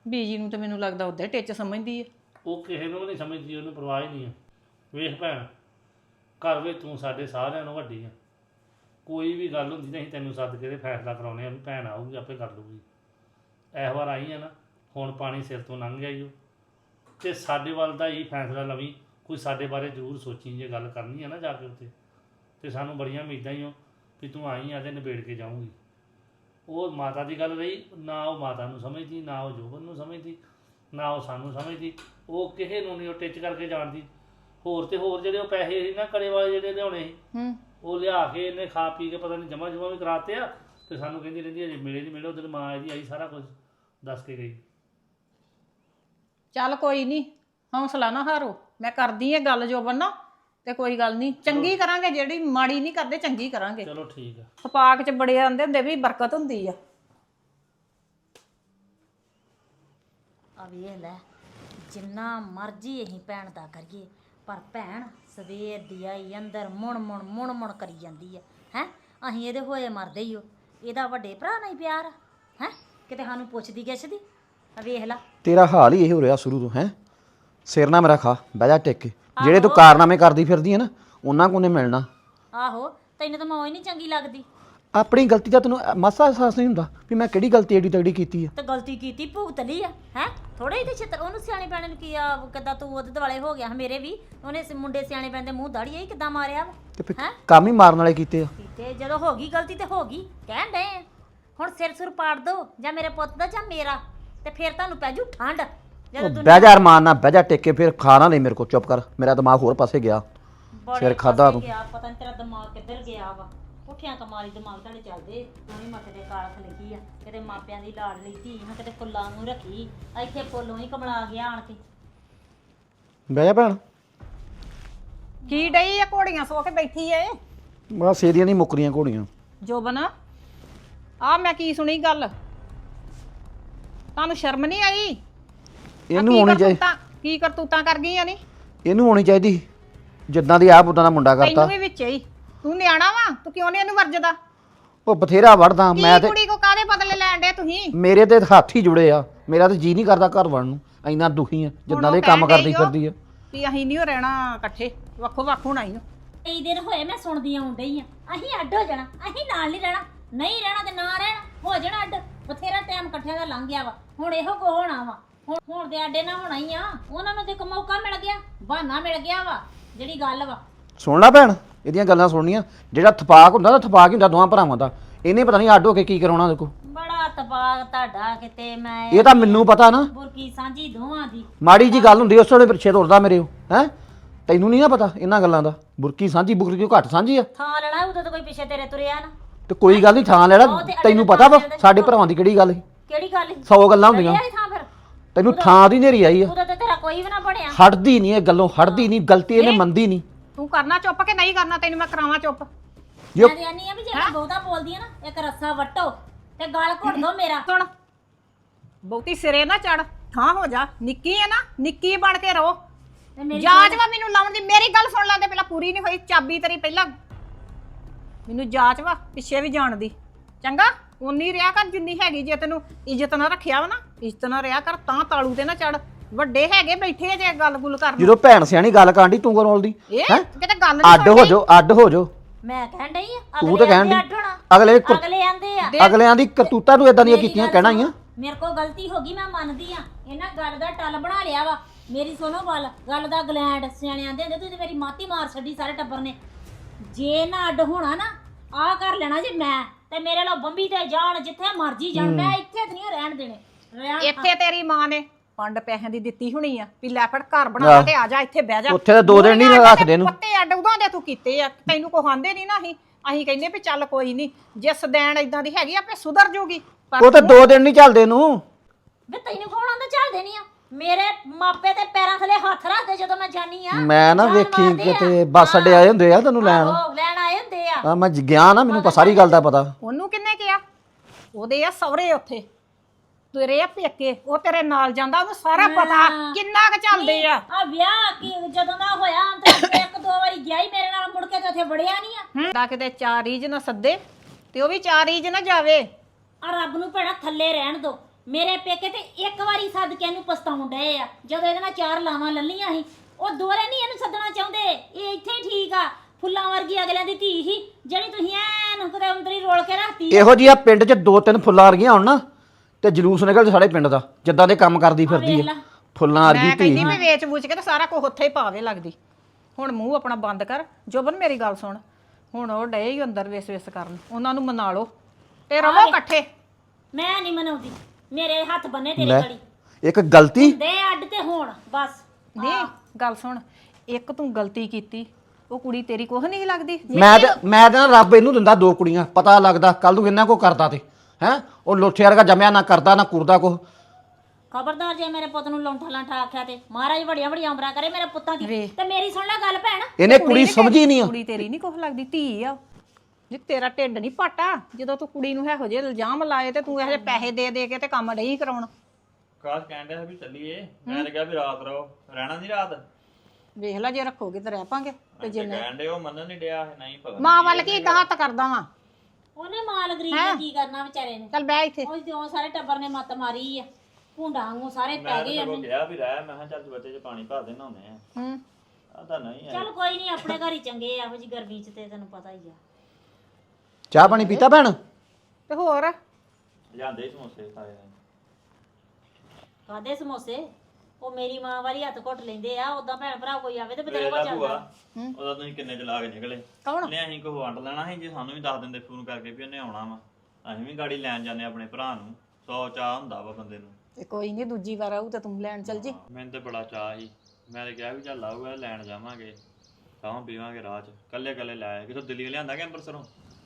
[SPEAKER 1] ਬੀਜੀ ਨੂੰ ਤੇ ਮੈਨੂੰ ਲੱਗਦਾ ਉਹਦੇ ਟਿੱਚ ਸਮਝਦੀ ਆ।
[SPEAKER 2] ਉਹ ਕਿਸੇ ਨੂੰ ਵੀ ਨਹੀਂ ਸਮਝਦੀ, ਉਹਨੂੰ ਪਰਵਾਹ ਹੀ ਨਹੀਂ ਆ। ਵੇਖ ਭੈਣ, ਘਰ ਵਿੱਚ ਤੂੰ ਸਾਡੇ ਸਾਰਿਆਂ ਨੂੰ ਵੱਡੀ ਆ। ਕੋਈ ਵੀ ਗੱਲ ਹੁੰਦੀ ਤਾਂ ਅਸੀਂ ਤੈਨੂੰ ਸੱਦ ਕੇ ਤੇ ਫੈਸਲਾ ਕਰਾਉਂਦੇ ਆ ਵੀ ਭੈਣ ਆਊਗੀ ਆਪੇ ਕਰ ਲੂਗੀ। ਇਸ ਵਾਰ ਆਈ ਆ ਨਾ, ਹੁਣ ਪਾਣੀ ਸਿਰ ਤੋਂ ਲੰਘ ਗਿਆ ਈ ਉਹ, ਤੇ ਸਾਡੇ ਵੱਲ ਦਾ ਹੀ ਫੈਸਲਾ ਲਵੀਂ। ਕੋਈ ਸਾਡੇ ਬਾਰੇ ਜ਼ਰੂਰ ਸੋਚੀ, ਜੇ ਗੱਲ ਕਰਨੀ ਆ ਨਾ ਜਾ ਕੇ ਉੱਥੇ, ਤੇ ਸਾਨੂੰ ਬੜੀਆਂ ਉਮੀਦਾਂ ਹੀ ਹੋ ਵੀ ਤੂੰ ਆਈ ਆ ਤੇ ਨਿਬੇੜ ਕੇ ਜਾਊਂਗੀ। ਉਹ ਮਾਤਾ ਦੀ ਗੱਲ ਰਹੀ ਨਾ, ਉਹ ਮਾਤਾ ਨੂੰ ਸਮਝਦੀ, ਨਾ ਉਹ ਜੋਬਨ ਨੂੰ ਸਮਝਦੀ, ਨਾ ਉਹ ਸਾਨੂੰ ਸਮਝਦੀ। ਉਹ ਕਿਸੇ ਨੂੰ ਨਹੀਂ ਉਹ ਟਿੱਚ ਕਰਕੇ ਜਾਣਦੀ। ਹੋਰ ਤੇ ਹੋਰ ਜਿਹੜੇ ਉਹ ਪੈਸੇ ਸੀ ਨਾ ਕੜੇ ਵਾਲੇ ਜਿਹੜੇ ਲਿਆਉਣੇ ਸੀ,
[SPEAKER 1] ਹੂੰ
[SPEAKER 2] ਉਹ ਲਿਆ ਕੇ ਇਹਨੇ ਖਾ ਪੀ ਕੇ ਪਤਾ ਨਹੀਂ ਜਮਾ ਜਮਾ ਵੀ ਕਰਾਤੇ ਆ, ਤੇ ਸਾਨੂੰ ਕਹਿੰਦੀ ਰਹਿੰਦੀ ਅਜੇ ਮਿਲੇ ਨਹੀਂ ਮਿਲੇ। ਉਧਰ ਮਾਂ ਇਹਦੀ ਆਈ ਸਾਰਾ ਕੁਝ ਦੱਸ ਕੇ ਗਈ।
[SPEAKER 1] ਚੱਲ ਕੋਈ ਨਹੀਂ, ਹੌਸਲਾ ਨਾ ਹਾਰੋ, ਮੈਂ ਕਰਦੀ ਆ ਗੱਲ ਜੋਬਨ ਨਾਲ, ਤੇ ਕੋਈ ਗੱਲ ਨਹੀਂ, ਚੰਗੀ ਕਰਾਂਗੇ। ਜਿਹੜੀ ਮਾੜੀ ਨਹੀਂ ਕਰਦੇ, ਚੰਗੀ ਕਰਾਂਗੇ।
[SPEAKER 2] ਚਲੋ ਠੀਕ ਆ।
[SPEAKER 1] ਸਪਾਕ ਚ ਬੜੇ ਆਂਦੇ ਹੁੰਦੇ ਵੀ ਬਰਕਤ ਹੁੰਦੀ ਆ।
[SPEAKER 4] ਆ ਵੇਖ ਲੈ, ਜਿੰਨਾ ਮਰਜ਼ੀ ਅਸੀਂ ਭੈਣ ਦਾ ਕਰੀਏ, ਪਰ ਭੈਣ ਸਵੇਰ ਦੀ ਆਈ ਅੰਦਰ ਮੁਣ ਮੁਣ ਮੁਣ ਮੁਣ ਕਰੀ ਜਾਂਦੀ ਆ। ਹੈ ਅਸੀਂ ਇਹਦੇ ਹੋਏ ਮਰਦੇ ਹੀ ਹੋ। ਇਹਦਾ ਵੱਡੇ ਭਰਾ ਨਾਲ ਹੀ ਪਿਆਰ ਆ ਹੈ, ਕਿਤੇ ਸਾਨੂੰ ਪੁੱਛਦੀ ਗਿੱਛਦੀ। ਆ ਵੇਖ ਲੈ,
[SPEAKER 5] ਤੇਰਾ ਹਾਲ ਹੀ ਇਹ ਹੋ ਰਿਹਾ ਸ਼ੁਰੂ ਤੋਂ। ਹੈ ਸਿਰ ਨਾ ਮੇਰਾ ਖਾ, ਬਹਿ ਜਾ ਟਿਕ ਕੇ। ਜਿਹੜੇ ਤੂੰ ਕਾਰਨਾਮੇ ਕਰਦੀ ਫਿਰਦੀ ਹੈ ਨਾ, ਉਹਨਾਂ ਕੋਲ ਨੇ ਮਿਲਣਾ।
[SPEAKER 4] ਆਹੋ ਤੈਨੂੰ ਤਾਂ ਮੈਂ ਹੀ ਨਹੀਂ ਚੰਗੀ ਲੱਗਦੀ।
[SPEAKER 5] ਆਪਣੀ ਗਲਤੀ ਦਾ ਤੈਨੂੰ ਮਾਸਾ ਅਹਿਸਾਸ ਨਹੀਂ ਹੁੰਦਾ ਵੀ ਮੈਂ ਕਿਹੜੀ ਗਲਤੀ ਏਡੀ ਤਗੜੀ ਕੀਤੀ ਹੈ।
[SPEAKER 4] ਤੇ ਗਲਤੀ ਕੀਤੀ ਭੁਗਤ ਲਈ ਆ ਹੈ ਥੋੜੇ ਹੀ ਛਿੱਤਰ। ਉਹਨੂੰ ਸਿਆਣੇ ਪੈਣੇ ਨੂੰ ਕੀ ਆ, ਕਿੱਦਾਂ ਤੂੰ ਉਹਦੇ ਦੁਆਲੇ ਹੋ ਗਿਆ। ਮੇਰੇ ਵੀ ਉਹਨੇ ਸ- ਮੁੰਡੇ ਸਿਆਣੇ ਪੈਂਦੇ ਮੂੰਹ ਦਾੜੀ ਆਈ ਕਿੱਦਾਂ ਮਾਰਿਆ ਵਾ
[SPEAKER 5] ਤੇ ਫਿਰ
[SPEAKER 4] ਹੈਂ?
[SPEAKER 5] ਕੰਮ ਹੀ ਮਾਰਨ ਵਾਲੇ ਕੀਤੇ ਆ।
[SPEAKER 4] ਤੇ ਜਦੋਂ ਹੋ ਗਈ ਗਲਤੀ ਤੇ ਹੋ ਗਈ, ਕਹਿਣ ਡਏ ਆ। ਹੁਣ ਸਿਰ ਸੁਰ ਪਾੜ ਦੋ, ਜਾਂ ਮੇਰੇ ਪੁੱਤ ਦਾ ਜਾਂ ਮੇਰਾ, ਤੇ ਫਿਰ ਤੁਹਾਨੂੰ ਪੈ ਜੂ ਠੰਡ। ਜਦੋਂ
[SPEAKER 5] ਉਹ ਬਹਿ ਜਾ ਅਰਮਾਨ ਨਾਲ, ਬਹਿ ਜਾ ਟਿਕ ਕੇ। ਫਿਰ ਖਾ ਨਾ ਲਈ ਮੇਰੇ ਕੋਲ, ਚੁੱਪ ਕਰ। ਮੇਰਾ ਦਿਮਾਗ ਹੋਰ ਪਾਸੇ ਗਿਆ।
[SPEAKER 4] ਬੜੇ
[SPEAKER 5] ਸਿਰ ਖਾਧਾ
[SPEAKER 4] ਪਾਸੇ
[SPEAKER 5] ਤੂੰ।
[SPEAKER 4] ਗਿਆ, ਪਤਾ ਨਹੀਂ ਤੇਰਾ ਦਿਮਾਗ ਕਿੱਧਰ ਗਿਆ ਵਾ। ਉੱਠਿਆਂ ਕਮਾਲੀ ਦਿਮਾਗ ਤੁਹਾਡੇ ਚੱਲਦੇ। ਸੋਹਣੀ ਮੱਥੇ ਦੇ ਕਾਲਖ ਲੱਗੀ ਆ, ਕਿਤੇ ਮਾਪਿਆਂ ਦੀ ਲਾੜ ਲਈ ਧੀ ਨੂੰ ਕਿਤੇ ਫੁੱਲਾਂ ਨੂੰ ਰੱਖੀ, ਇੱਥੇ ਫੁੱਲੋਂ ਹੀ ਕਮਲਾ ਗਿਆ ਆਣ ਕੇ।
[SPEAKER 5] ਬਹਿ ਜਾ ਭੈਣ।
[SPEAKER 1] ਕੀ ਡਈ ਆ ਘੋੜੀਆਂ ਸੋ ਕੇ ਬੈਠੀ ਏ
[SPEAKER 5] ਬਸ ਇਹਦੀਆਂ ਨਹੀਂ ਮੁੱਕਰੀਆਂ ਘੋੜੀਆਂ।
[SPEAKER 1] ਜੋਬਨ? ਆ ਮੈਂ ਕੀ ਸੁਣੀ ਗੱਲ, ਤੁਹਾਨੂੰ ਸ਼ਰਮ ਨਹੀਂ ਆਈ?
[SPEAKER 5] ਇਹਨੂੰ
[SPEAKER 1] ਕੀ
[SPEAKER 5] ਹੋਣੀ ਚਾਹੀਦੀ,
[SPEAKER 1] ਕਰਤੂਤਾਂ- ਕੀ ਕਰਤੂਤਾਂ ਕਰ ਗਈਆਂ ਨੀ?
[SPEAKER 5] ਇਹਨੂੰ ਹੋਣੀ ਚਾਹੀਦੀ ਜਿੱਦਾਂ ਦੀ ਆਪ ਉਦਾਂ ਦਾ ਮੁੰਡਾ ਕਰਤਾ।
[SPEAKER 1] ਤੈਨੂੰ ਵੀ ਵਿੱਚ ਹੀ, ਤੂੰ ਨਿਆਣਾ ਵਾ, ਤੂੰ ਕਿਉਂ ਨਹੀਂ ਇਹਨੂੰ ਵਰਜਦਾ?
[SPEAKER 5] ਉਹ ਬਥੇਰਾ ਵੜਦਾ ਮੈਂ
[SPEAKER 1] ਕੀ
[SPEAKER 5] ਤੇ।
[SPEAKER 1] ਕੁੜੀ ਕੋ ਕਾਹਦੇ ਬਦਲੇ ਲੈਣ ਡੇ ਤੁਸੀਂ?
[SPEAKER 5] ਮੇਰੇ ਤੇ ਹੱਥ ਹੀ ਜੁੜੇ ਆ। ਮੇਰਾ ਤੇ ਜੀ ਨਹੀਂ ਕਰਦਾ ਘਰ ਵੜਨ ਨੂੰ, ਇੰਨਾ ਦੁਖੀ ਆ ਜਿੱਦਾਂ ਦੇ ਕੰਮ ਕਰਦੀ ਫਿਰਦੀ ਆ।
[SPEAKER 1] ਵੀ ਅਸੀਂ ਨਹੀਂ ਰਹਿਣਾ ਇਕੱਠੇ, ਵੱਖੋ ਵੱਖ ਹੋਣਾ ਹੀ।
[SPEAKER 4] ਕਈ ਦਿਨ ਹੋਏ ਮੈਂ ਸੁਣਦੀ ਆਉਣ ਡਈ ਆ, ਅਸੀਂ ਅੱਡ ਹੋ ਜਾਣਾ, ਅਸੀਂ ਨਾਲ ਨਹੀਂ ਰਹਿਣਾ, ਨਹੀਂ ਰਹਿਣਾ ਤੇ ਨਾ ਰਹਿਣਾ, ਹੋ ਜਾਣਾ ਅੱਡ। ਬਥੇਰਾ ਟਾਈਮ ਇਕੱਠਿਆਂ ਦਾ ਲੰਘ ਗਿਆ ਵਾ, ਹੁਣ ਇਹੋ ਕੋ ਹੋਣਾ ਵਾ। ਹੁਣ ਹੁਣ ਦੇ ਆਡੇ ਨਾ ਹੋਣਾ ਹੀ ਆ। ਉਹਨਾਂ ਨੂੰ ਤੇ ਇੱਕ ਮੌਕਾ ਮਿਲ ਗਿਆ, ਬਹਾਨਾ ਮਿਲ ਗਿਆ ਵਾ, ਜਿਹੜੀ ਗੱਲ ਵਾ।
[SPEAKER 5] ਸੁਣ ਲੈ ਭੈਣ, ਇਹਦੀਆਂ ਗੱਲਾਂ ਸੁਣਨੀਆਂ। ਜਿਹੜਾ ਥਪਾਕ ਹੁੰਦਾ ਨਾ, ਥਪਾਕ ਹੀ ਹੁੰਦਾ ਦੋਵਾਂ ਭਰਾਵਾਂ ਦਾ। ਇਹਨੇ ਪਤਾ ਨਹੀਂ ਅੱਡ ਹੋ ਕੇ ਕੀ ਕਰਾਉਣਾ ਦੇਖੋ।
[SPEAKER 4] ਬੜਾ ਤਬਾਕ ਤੁਹਾਡਾ ਕਿਤੇ। ਮੈਂ
[SPEAKER 5] ਇਹ ਤਾਂ ਮੈਨੂੰ ਪਤਾ ਨਾ,
[SPEAKER 4] ਬੁਰਕੀ ਸਾਂਝੀ ਦੋਵਾਂ ਦੀ।
[SPEAKER 5] ਮਾੜੀ ਜੀ ਗੱਲ ਹੁੰਦੀ ਉਸ ਵੇਲੇ ਪਿੱਛੇ ਤੁਰਦਾ ਮੇਰੇ। ਉਹ ਹੈ ਤੈਨੂੰ ਨਹੀਂ ਨਾ ਪਤਾ ਇਹਨਾਂ ਗੱਲਾਂ ਦਾ। ਬੁਰਕੀ ਸਾਂਝੀ ਬੁਰਕੀ ਕਿਉਂ ਘੱਟ ਸਾਂਝੀ ਆ?
[SPEAKER 4] ਥਾਂ ਲੈਣਾ ਉਦੋਂ ਤਾਂ ਕੋਈ ਪਿੱਛੇ ਤੇਰੇ ਤੁਰਿਆ ਨਾ।
[SPEAKER 5] ਤੇ ਕੋਈ ਗੱਲ ਨਹੀਂ, ਥਾਂ ਲੈ ਲੈ। ਤੈਨੂੰ ਪਤਾ ਵਾ ਸਾਡੇ ਭਰਾਵਾਂ ਦੀ ਕਿਹੜੀ ਗੱਲ ਸੀ?
[SPEAKER 4] ਕਿਹੜੀ ਗੱਲ ਸੀ?
[SPEAKER 5] ਸੌ ਗੱਲਾਂ ਹੁੰਦੀਆਂ।
[SPEAKER 4] ਇਹ ਥਾਂ ਫਿਰ
[SPEAKER 5] ਤੈਨੂੰ ਥਾਂ ਦੀ ਨੇਰੀ ਆਈ ਆ।
[SPEAKER 4] ਉਦੋਂ ਤਾਂ ਤੇਰਾ ਕੋਈ ਵੀ ਨਾ ਬਣਿਆ।
[SPEAKER 5] ਹਟਦੀ ਨਹੀਂ ਇਹ ਗੱਲੋਂ, ਹਟਦੀ ਨਹੀਂ। ਗਲਤੀ ਇਹਨੇ ਮੰਨਦੀ ਨਹੀਂ।
[SPEAKER 1] ਤੂੰ ਕਰਨਾ ਚੁੱਪ ਕਿ ਨਹੀਂ ਕਰਨਾ? ਤੈਨੂੰ ਮੈਂ ਕਰਾਵਾਂ ਚੁੱਪ?
[SPEAKER 5] ਜੋ
[SPEAKER 4] ਮੈਂ ਜਾਨੀ ਆ ਵੀ ਜੇ ਮੈਂ ਬਹੁਤਾ ਬੋਲਦੀ ਆ ਨਾ, ਇੱਕ ਰੱਸਾ ਵੱਟੋ ਤੇ ਗਲ ਘੁੱਟ ਦੋ ਮੇਰਾ।
[SPEAKER 1] ਸੁਣ, ਬਹੁਤੀ ਸਿਰੇ ਨਾ ਚੜ, ਥਾਂ ਹੋ ਜਾ। ਨਿੱਕੀ ਹੈ ਨਾ, ਨਿੱਕੀ ਬਣ ਕੇ ਰਹੋ।
[SPEAKER 4] ਤੇ ਮੇਰੀ
[SPEAKER 1] ਜਾਚ ਵਾ ਮੈਨੂੰ ਲਾਉਣ ਦੀ। ਮੇਰੀ ਗੱਲ ਸੁਣ ਲੈਂਦੇ ਪਹਿਲਾਂ, ਪੂਰੀ ਨਹੀਂ ਹੋਈ ਚਾਬੀ ਤੇਰੀ। ਪਹਿਲਾਂ ਮੈਨੂੰ ਜਾਚ ਵਾ ਪਿੱਛੇ ਵੀ ਜਾਣ ਦੀ। ਚੰਗਾ ਉਨੀ ਰਿਆ ਕਰ ਜਿੰਨੀ ਹੈਗੀ। ਜੇ ਤੈਨੂੰ ਇੱਜ਼ਤ ਨਾ ਰੱਖਿਆ ਵਾ ਨਾ, ਇੱਜ਼ਤ ਨਾ ਰਿਆ ਕਰ, ਤਾਂ ਤਾਲੂ ਤੇ ਨਾ ਚੜ। ਵੱਡੇ ਹੈਗੇ ਬੈਠੇ ਜੇ ਗੱਲ ਗੁੱਲ ਕਰਨ।
[SPEAKER 5] ਜਦੋਂ ਭੈਣ ਸਿਆਣੀ ਗੱਲ ਕਾਂਡੀ ਤੂੰ ਕਰੋਲਦੀ
[SPEAKER 1] ਇਹ
[SPEAKER 5] ਹੈ।
[SPEAKER 1] ਕਿਤੇ ਗੱਲ ਨਹੀਂ
[SPEAKER 5] ਅੱਡ ਹੋ ਜਾਓ, ਅੱਡ ਹੋ ਜਾਓ।
[SPEAKER 4] ਮੈਂ ਕਹਿਣ ਡਈ ਆ,
[SPEAKER 5] ਤੂੰ ਤਾਂ ਕਹਿਣ
[SPEAKER 4] ਆਂਦੇ
[SPEAKER 5] ਡਈ।
[SPEAKER 4] ਅੱਡ ਹੋਣਾ।
[SPEAKER 5] ਅਗਲੇ ਕੁ-
[SPEAKER 4] ਅਗਲੇ ਆਂਦੇ ਆ
[SPEAKER 5] ਅਗਲਿਆਂ ਦੀ ਕਰਤੂਤਾਂ ਨੂੰ ਇਦਾਂ ਦੀਆਂ
[SPEAKER 4] ਮੇਰੀ
[SPEAKER 5] ਕੀਤੀਆਂ
[SPEAKER 4] ਗੱਲ
[SPEAKER 5] ਕਹਿਣਾ ਹੀ ਆ।
[SPEAKER 4] ਸੁਣੋ, ਮੇਰੇ ਕੋਲ ਗਲਤੀ ਹੋ ਗਈ, ਮੈਂ ਮੰਨਦੀ ਆ। ਇਹਨਾਂ ਗੱਲ ਦਾ ਟੱਲ ਬਣਾ ਲਿਆ ਵਾ। ਮੇਰੀ ਸੁਣੋ ਗੱਲ, ਗੱਲ ਦਾ ਗਲੈਂਡ ਸਿਆਣੇ ਆਂਦੇ ਹੁੰਦੇ, ਤੁਸੀਂ ਮੇਰੀ ਮਾਤੀ ਮਾਰ ਛੱਡੀ ਸਾਰੇ ਟੱਬਰ ਨੇ। ਜੇ ਨਾ ਅੱਡ ਹੋਣਾ ਨਾ, ਆਹ ਕਰ ਲੈਣਾ ਜੇ ਮੈਂ ਤੇ ਮੇਰੇ ਨਾਲ ਬੰਬੀ ਤੇ ਜਾਣ, ਜਿੱਥੇ ਮਰਜੀ ਜਾਣ, ਮੈਂ ਇੱਥੇ ਤੇ ਨਹੀਂ ਰਹਿਣ ਦੇਣੇ। ਰਹਿਣ
[SPEAKER 1] ਇੱਥੇ ਤੇਰੀ ਮਾਂ ਨੇ ਪੰਡ ਪੈਸਿਆਂ ਦੀ ਦਿੱਤੀ ਹੋਣੀ ਆ ਵੀ ਲੈ ਫੜ ਘਰ ਬਣਾ ਤੇ ਆ ਜਾ ਇੱਥੇ ਬਹਿ ਜਾ।
[SPEAKER 5] ਉੱਥੇ ਤਾਂ ਦੋ ਦਿਨ ਨਹੀਂ ਰੱਖਦੇ ਇਹਨੂੰ।
[SPEAKER 1] ਪੱਤੇ ਅੱਡ ਉਦਾਂ ਦੇ ਤੂੰ ਕੀਤੇ ਆ, ਤੈਨੂੰ ਕੋ ਖਾਂਦੇ ਨਹੀਂ ਨਾ। ਅਸੀਂ ਅਸੀਂ ਕਹਿੰਦੇ ਵੀ ਚੱਲ ਕੋਈ ਨਹੀਂ, ਜੇ ਸਦੈਣ ਇਦਾਂ ਦੀ ਹੈਗੀ ਆਪੇ ਸੁਧਰ ਜੂਗੀ। ਪਰ
[SPEAKER 5] ਉਹ ਤਾਂ ਦੋ ਦਿਨ ਨਹੀਂ ਚੱਲਦੇ ਇਹਨੂੰ।
[SPEAKER 4] ਵੇ ਤੈਨੂੰ ਕੌਣ ਆਂਦਾ ਚੱਲਦੇ ਨਹੀਂ ਆ? ਮੇਰੇ ਮਾਪੇ ਤੇ ਪੈਰਾਂ ਥੱਲੇ ਹੱਥ ਰੱਖਦੇ ਜਦੋਂ ਮੈਂ ਜਾਨੀ ਆ।
[SPEAKER 5] ਮੈਂ ਨਾ
[SPEAKER 4] ਜਾਨ
[SPEAKER 5] ਵੇਖੀ
[SPEAKER 4] ਮਾਰਦੇ ਆ।
[SPEAKER 5] ਕਿਤੇ ਬੱਸ ਅੱਡੇ ਆਏ ਹੁੰਦੇ ਆ ਤੈਨੂੰ ਲੈਣ।
[SPEAKER 4] ਆਹੋ, ਲੈਣ ਆਏ ਹੁੰਦੇ ਆ।
[SPEAKER 5] ਆ ਮੈਂ ਗਿਆ ਨਾ, ਮੈਨੂੰ ਸਾਰੀ ਗੱਲ ਦਾ ਪਤਾ।
[SPEAKER 1] ਉਹਨੂੰ ਕਿੰਨੇ ਕਿਹਾ? ਉਹਦੇ ਆ ਸਹੁਰੇ ਉੱਥੇ, ਤੇਰੇ ਆ ਪੇਕੇ, ਉਹ ਤੇਰੇ ਨਾਲ ਜਾਂਦਾ, ਉਹਨੂੰ ਸਾਰਾ ਪਤਾ ਕਿੰਨਾ ਕੁ ਚੱਲਦੇ ਆ।
[SPEAKER 4] ਆ ਵਿਆਹ ਕੀ ਜਦੋਂ ਦਾ ਹੋਇਆ ਤੇ ਇੱਕ ਦੋ ਵਾਰੀ ਗਿਆ ਹੀ ਮੇਰੇ ਨਾਲ, ਮੁੜ ਕੇ ਤੇ ਉੱਥੇ ਵੜਿਆ ਨਹੀਂ ਆ।
[SPEAKER 1] ਤਾਂ ਕਿਤੇ ਚਾਰ ਰੀਜ ਨਾ ਸੱਦੇ ਤੇ ਉਹ ਵੀ ਚਾਰ ਰੀਜ ਨਾ ਜਾਵੇ।
[SPEAKER 4] ਆ ਰੱਬ ਨੂੰ ਭੈਣਾ ਥੱਲੇ ਰਹਿਣ ਦੋ। ਮੇਰੇ ਪੇਕੇ ਤੇ ਇੱਕ ਵਾਰੀ ਸੱਦ ਕੇ ਇਹਨੂੰ ਪਛਤਾਉਣ ਡਏ ਆ ਜਦੋਂ ਇਹਦੇ ਨਾਲ ਚਾਰ ਲਾਵਾਂ ਲੱਲੀਆਂ ਸੀ ਉਹ ਦੋਰੇ ਨਹੀਂ ਇਹਨੂੰ ਸੱਦਣਾ ਚਾਹੁੰਦੇ ਇਹ ਇੱਥੇ ਹੀ ਠੀਕ ਆ ਫੁੱਲਾਂ ਵਰਗੀ ਅਗਲਿਆਂ ਦੀ ਧੀ ਸੀ ਜਿਹੜੀ ਤੁਸੀਂ ਐਨ ਕਿਤੇ ਅੰਦਰੀ ਰੋਲ ਕੇ ਰੱਖਤੀ
[SPEAKER 5] ਇਹੋ ਜਿਹੀ ਆ ਪਿੰਡ 'ਚ ਦੋ ਤਿੰਨ ਫੁੱਲਾਂ ਵਰਗੀਆਂ ਹੋਣ ਨਾ ਤੇ ਜਲੂਸ ਨਿਕਲ ਸਾਡੇ ਪਿੰਡ ਦਾ ਜਿੱਦਾਂ ਦੇ ਕੰਮ ਕਰਦੀ ਫਿਰਦੀ ਆ ਫੁੱਲਾਂ ਵਰਗੀ
[SPEAKER 1] ਮੈਂ
[SPEAKER 5] ਧੀ
[SPEAKER 1] ਕਹਿੰਦੀ ਮੈਂ ਵੇਚ ਵੂਚ ਕੇ ਤੇ ਸਾਰਾ ਕੁਝ ਉੱਥੇ ਹੀ ਪਾਵੇ ਲੱਗਦੀ ਹੁਣ ਮੂੰਹ ਆਪਣਾ ਬੰਦ ਕਰ ਜੋਬਨ ਮੇਰੀ ਗੱਲ ਸੁਣ ਹੁਣ ਉਹ ਡਏ ਹੀ ਅੰਦਰ ਵਿਸ ਵਿਸ ਕਰਨ ਉਹਨਾਂ ਨੂੰ ਮਨਾ ਲਓ ਤੇ ਰਵੋ ਇਕੱਠੇ
[SPEAKER 4] ਮੈਂ ਨਹੀਂ ਮਨਾਉਂਦੀ ਮੇਰੇ ਹੱਥ ਬੰਨੇ ਤੇਰੇ
[SPEAKER 5] ਲੈ
[SPEAKER 4] ਗੜੀ
[SPEAKER 5] ਇੱਕ ਗਲਤੀ
[SPEAKER 4] ਦੇ ਅੱਡ ਤੇ ਹੋਣ ਬਸ
[SPEAKER 1] ਨਹੀਂ ਗੱਲ ਸੁਣ ਇੱਕ ਤੂੰ ਗਲਤੀ ਕੀਤੀ ਉਹ ਕੁੜੀ ਤੇਰੀ ਕੁਛ ਨਹੀਂ ਲੱਗਦੀ
[SPEAKER 5] ਮੈਂ ਤੇ ਮੈਂ ਤੇ ਨਾ ਰੱਬ ਇਹਨੂੰ ਦਿੰਦਾ ਦੋ ਕੁੜੀਆਂ ਪਤਾ ਲੱਗਦਾ ਕੱਲ ਨੂੰ ਇਹਨਾਂ ਕੋ ਕਰਦਾ ਤੇ ਹੈ ਉਹ ਲੋਠੇ ਵਰਗਾ ਜੰਮਿਆ ਨਾ ਕਰਦਾ ਨਾ ਕੁਰਦਾ ਕੁਛ
[SPEAKER 4] ਖਬਰਦਾਰ ਜੇ ਮੇਰੇ ਪੁੱਤ ਨੂੰ ਲੌਂਠਾ ਲਾਂਠਾ ਆਖਿਆ ਤੇ ਮਹਾਰਾਜ ਵੱਡੀਆਂ ਵੱਡੀਆਂ ਉਮਰਾਂ ਕਰੇ ਮੇਰੇ ਪੁੱਤਾਂ ਦੀ ਤੇ ਮੇਰੀ ਸੁਣ ਲੈ ਗੱਲ ਭੈਣ
[SPEAKER 5] ਇਹਨੇ ਕੁੜੀ ਸਮਝੀ ਨਹੀਂ ਆ
[SPEAKER 1] ਕੁੜੀ ਤੇਰੀ ਨਹੀਂ ਕੁਛ ਲੱਗਦੀ ਧੀ ਆ ਜੇ ਤੇਰਾ ਢਿੱਡ ਨਹੀਂ ਪਾਟਾ ਜਦੋਂ ਤੂੰ ਕੁੜੀ ਨੂੰ ਇਹੋ ਜਿਹੇ ਇਲਜ਼ਾਮ ਲਾਏ ਤੇ ਤੂੰ ਇਹੋ ਜਿਹੇ ਪੈਸੇ ਦੇ ਦੇ ਕੇ ਤੇ ਕੰਮ ਨਹੀਂ ਕਰਾਉਣ
[SPEAKER 6] ਕਾਸ ਕਹਿਣ ਡਿਆ ਸੀ ਵੀ ਚੱਲੀਏ ਮੈਂ ਤਾਂ ਕਿਹਾ ਵੀ ਰਾਤ ਰਹੋ ਰਹਿਣਾ ਨਹੀਂ ਰਾਤ
[SPEAKER 1] ਵੇਖ ਲੈ ਜੇ ਰੱਖੋਗੇ ਤੇ ਰਹਿ ਪਾਂਗੇ ਤੇ ਜੇ
[SPEAKER 6] ਕਹਿਣ ਡੇ ਉਹ ਮੰਨਣ ਨਹੀਂ ਡਿਆ ਨਹੀਂ ਪਤਾ
[SPEAKER 1] ਮਾਂ ਵੱਲ ਕੀ ਇਦਾਂ ਹੱਥ ਕਰਦਾ ਵਾਂ
[SPEAKER 4] ਉਹਨੇ ਮਾਲ ਗਰੀਬ ਨੇ ਕੀ ਕਰਨਾ ਵਿਚਾਰੇ ਨੇ
[SPEAKER 1] ਚੱਲ ਬਹਿ ਇੱਥੇ
[SPEAKER 4] ਉਹ ਜਿਉਂ ਸਾਰੇ ਟੱਬਰ ਨੇ ਮੱਤ ਮਾਰੀ ਆ ਭੁੰਡਾ ਵਾਂਗੂ ਸਾਰੇ ਪੈ ਗਏ ਆ
[SPEAKER 6] ਉਹ ਕਿਹਾ ਵੀ ਰਹਿ ਮੈਂ ਕਿਹਾ ਚੱਲ ਬੱਚੇ 'ਚ ਪਾਣੀ ਭਰ ਦੇ ਨਹਾਉਣੇ ਆ
[SPEAKER 1] ਹੂੰ
[SPEAKER 6] ਆ ਤਾਂ ਨਹੀਂ ਆ
[SPEAKER 4] ਚੱਲ ਕੋਈ ਨਹੀਂ ਆਪਣੇ ਘਰ ਹੀ ਚੰਗੇ ਆ ਇਹੋ ਜੀ ਗਰਮੀ ਚ ਤੇ ਤੈਨੂੰ ਪਤਾ ਹੀ ਆ
[SPEAKER 5] ਚਾਹ ਪਾਣੀ ਪੀਤਾ ਭੈਣ
[SPEAKER 1] ਤੇ ਹੋਰ
[SPEAKER 6] ਜਾਂਦੇ ਹੀ ਸਮੋਸੇ ਖਾਏ
[SPEAKER 4] ਖਾਦੇ ਸਮੋਸੇ ਉਹ ਮੇਰੀ ਮਾਂ ਵਾਲੀ ਹੱਥ ਘੁੱਟ ਲੈਂਦੇ ਆ ਉਦਾਂ ਭੈਣ ਭਰਾ ਕੋਈ ਆਵੇ ਤੇ ਬਤੇਰੇ
[SPEAKER 6] ਇਹਦਾ
[SPEAKER 4] ਕੋ
[SPEAKER 6] ਭੂਆ
[SPEAKER 4] ਚੱਲਦਾ
[SPEAKER 6] ਉਹਦਾ ਤੁਸੀਂ ਕਿੰਨੇ ਚਲਾ ਕੇ ਨਿਕਲੇ
[SPEAKER 1] ਕੌਣ
[SPEAKER 6] ਨੇ ਅਸੀਂ ਕੋਈ ਵੰਡ ਲੈਣਾ ਸੀ ਜੇ ਸਾਨੂੰ ਵੀ ਦੱਸ ਦਿੰਦੇ ਫੋਨ ਕਰਕੇ ਵੀ ਉਹਨੇ ਆਉਣਾ ਵਾ ਅਸੀਂ ਵੀ ਗਾੜੀ ਲੈਣ ਜਾਂਦੇ ਆਪਣੇ ਭਰਾ ਨੂੰ ਸੌ ਚਾਹ ਹੁੰਦਾ ਵਾ ਬੰਦੇ ਨੂੰ
[SPEAKER 1] ਤੇ ਕੋਈ ਨਹੀਂ ਦੂਜੀ ਵਾਰ ਆਊ ਤੇ ਤੂੰ ਲੈਣ ਚੱਲ ਜੀ
[SPEAKER 6] ਮੈਨੂੰ ਤੇ ਬੜਾ ਚਾਹ ਸੀ ਮੈਂ ਤਾਂ ਕਿਹਾ ਵੀ ਚੱਲ ਆਊਗਾ ਲੈਣ ਜਾਵਾਂਗੇ ਤਾਂ ਪੀਵਾਂਗੇ ਰਾਹ 'ਚ ਕੱਲੇ ਕੱਲੇ ਲਾਇਆ ਕਿਥੋਂ ਦਿੱਲੀ ਲਿਆਂਦਾ ਕਿ ਅੰਮ੍ਰਿਤਸਰੋਂ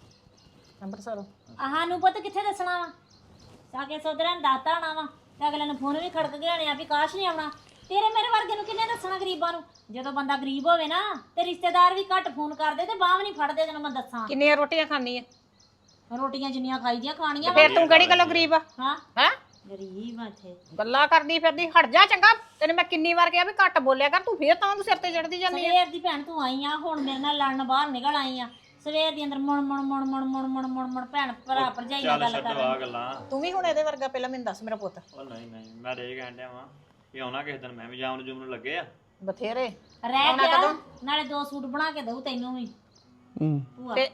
[SPEAKER 1] ਅੰਮ੍ਰਿਤਸਰੋਂ
[SPEAKER 4] ਆਹਾਂ ਨੂੰ ਪੁੱਤ ਕਿੱਥੇ ਦੱਸਣਾ ਵਾ ਸਾਕੇ ਸੋਦਰਾਂ ਦਾਤਾ ਆਣਾ ਵਾ ਤੇ ਅਗਲੇ ਨੂੰ ਫੋਨ ਵੀ ਖੜਕ ਗਿਆ ਨੇ ਆ ਵੀ ਕਾਸ਼ ਨਹੀਂ ਆਉਣਾ ਤੇਰੇ ਮੇਰੇ ਵਰਗੇ ਨੂੰ ਕਿੰਨੇ ਦੱਸਣਾ ਗਰੀਬਾਂ ਨੂੰ ਜਦੋਂ ਬੰਦਾ ਗਰੀਬ ਹੋਵੇ ਨਾ ਤੇ ਰਿਸ਼ਤੇਦਾਰ ਵੀ ਘੱਟ ਫੋਨ ਕਰਦੇ ਤੇ ਬਾਹ ਵੀ ਨਹੀਂ ਫੜਦੇ ਜਦੋਂ ਮੈਂ ਦੱਸਾਂ
[SPEAKER 1] ਕਿੰਨੀਆਂ ਰੋਟੀਆਂ ਖਾਣੀ ਆ
[SPEAKER 4] ਰੋਟੀਆਂ ਜਿੰਨੀਆਂ ਖਾਈਦੀਆਂ ਖਾਣੀਆਂ
[SPEAKER 1] ਫੇਰ ਤੂੰ ਕਿਹੜੀ ਗੱਲੋਂ ਗਰੀਬ ਆ
[SPEAKER 4] ਹਾਂ
[SPEAKER 1] ਹੈ
[SPEAKER 4] ਗਰੀਬ ਆ ਇੱਥੇ
[SPEAKER 1] ਗੱਲਾਂ ਕਰਦੀ ਫਿਰਦੀ ਹਟ ਜਾ ਚੰਗਾ ਤੈਨੂੰ ਮੈਂ ਕਿੰਨੀ ਵਾਰ ਕਿਹਾ ਵੀ ਘੱਟ ਬੋਲਿਆ ਕਰ ਤੂੰ ਫੇਰ ਤਾਂ ਤੂੰ ਸਿਰ ਤੇ ਚੜਦੀ ਜਾਂਦੀ ਆ
[SPEAKER 4] ਸਵੇਰ ਦੀ ਭੈਣ ਤੂੰ ਆਈ ਆ ਹੁਣ ਮੇਰੇ ਨਾਲ ਲੜਨ ਬਾਹਰ ਨਿਕਲ ਆਈ ਆ ਸਵੇਰ ਦੀ ਅੰਦਰ ਮੁੜ ਮੁੜ ਮੁੜ ਮੁੜ ਮੁੜ ਮੁੜ ਮੁੜ ਮੁੜ ਭੈਣ ਭਰਾ ਭਰਜਾਈ ਨਾਲ
[SPEAKER 6] ਚੱਲ
[SPEAKER 4] ਗੱਲ
[SPEAKER 6] ਛੱਡੋ
[SPEAKER 4] ਕਰ
[SPEAKER 6] ਆ ਗੱਲਾਂ
[SPEAKER 1] ਤੂੰ ਵੀ ਹੁਣ ਇਹਦੇ ਵਰਗਾ ਪਹਿਲਾਂ ਮੈਨੂੰ ਦੱਸ ਮੇਰਾ ਪੁੱਤ
[SPEAKER 6] ਉਹ ਨਹੀਂ ਨਹੀਂ ਮੈਂ ਤਾਂ ਇਹ ਕਹਿਣ ਡਿਆ ਵਾਂ ਕਿ ਆਉਣਾ ਕਿਸੇ ਦਿਨ ਮੈਂ ਵੀ ਜਾਮ ਨੂੰ ਜੁਮ ਨੂੰ ਲੱਗੇ ਆ
[SPEAKER 1] ਬਥੇਰੇ
[SPEAKER 4] ਰਹਿ ਗਿਆ ਨਾਲੇ ਦੋ ਸੂਟ ਬਣਾ ਕੇ ਦਊ ਤੈਨੂੰ ਵੀ
[SPEAKER 5] ਹੂੰ
[SPEAKER 4] ਭੂਆ
[SPEAKER 1] ਤੇ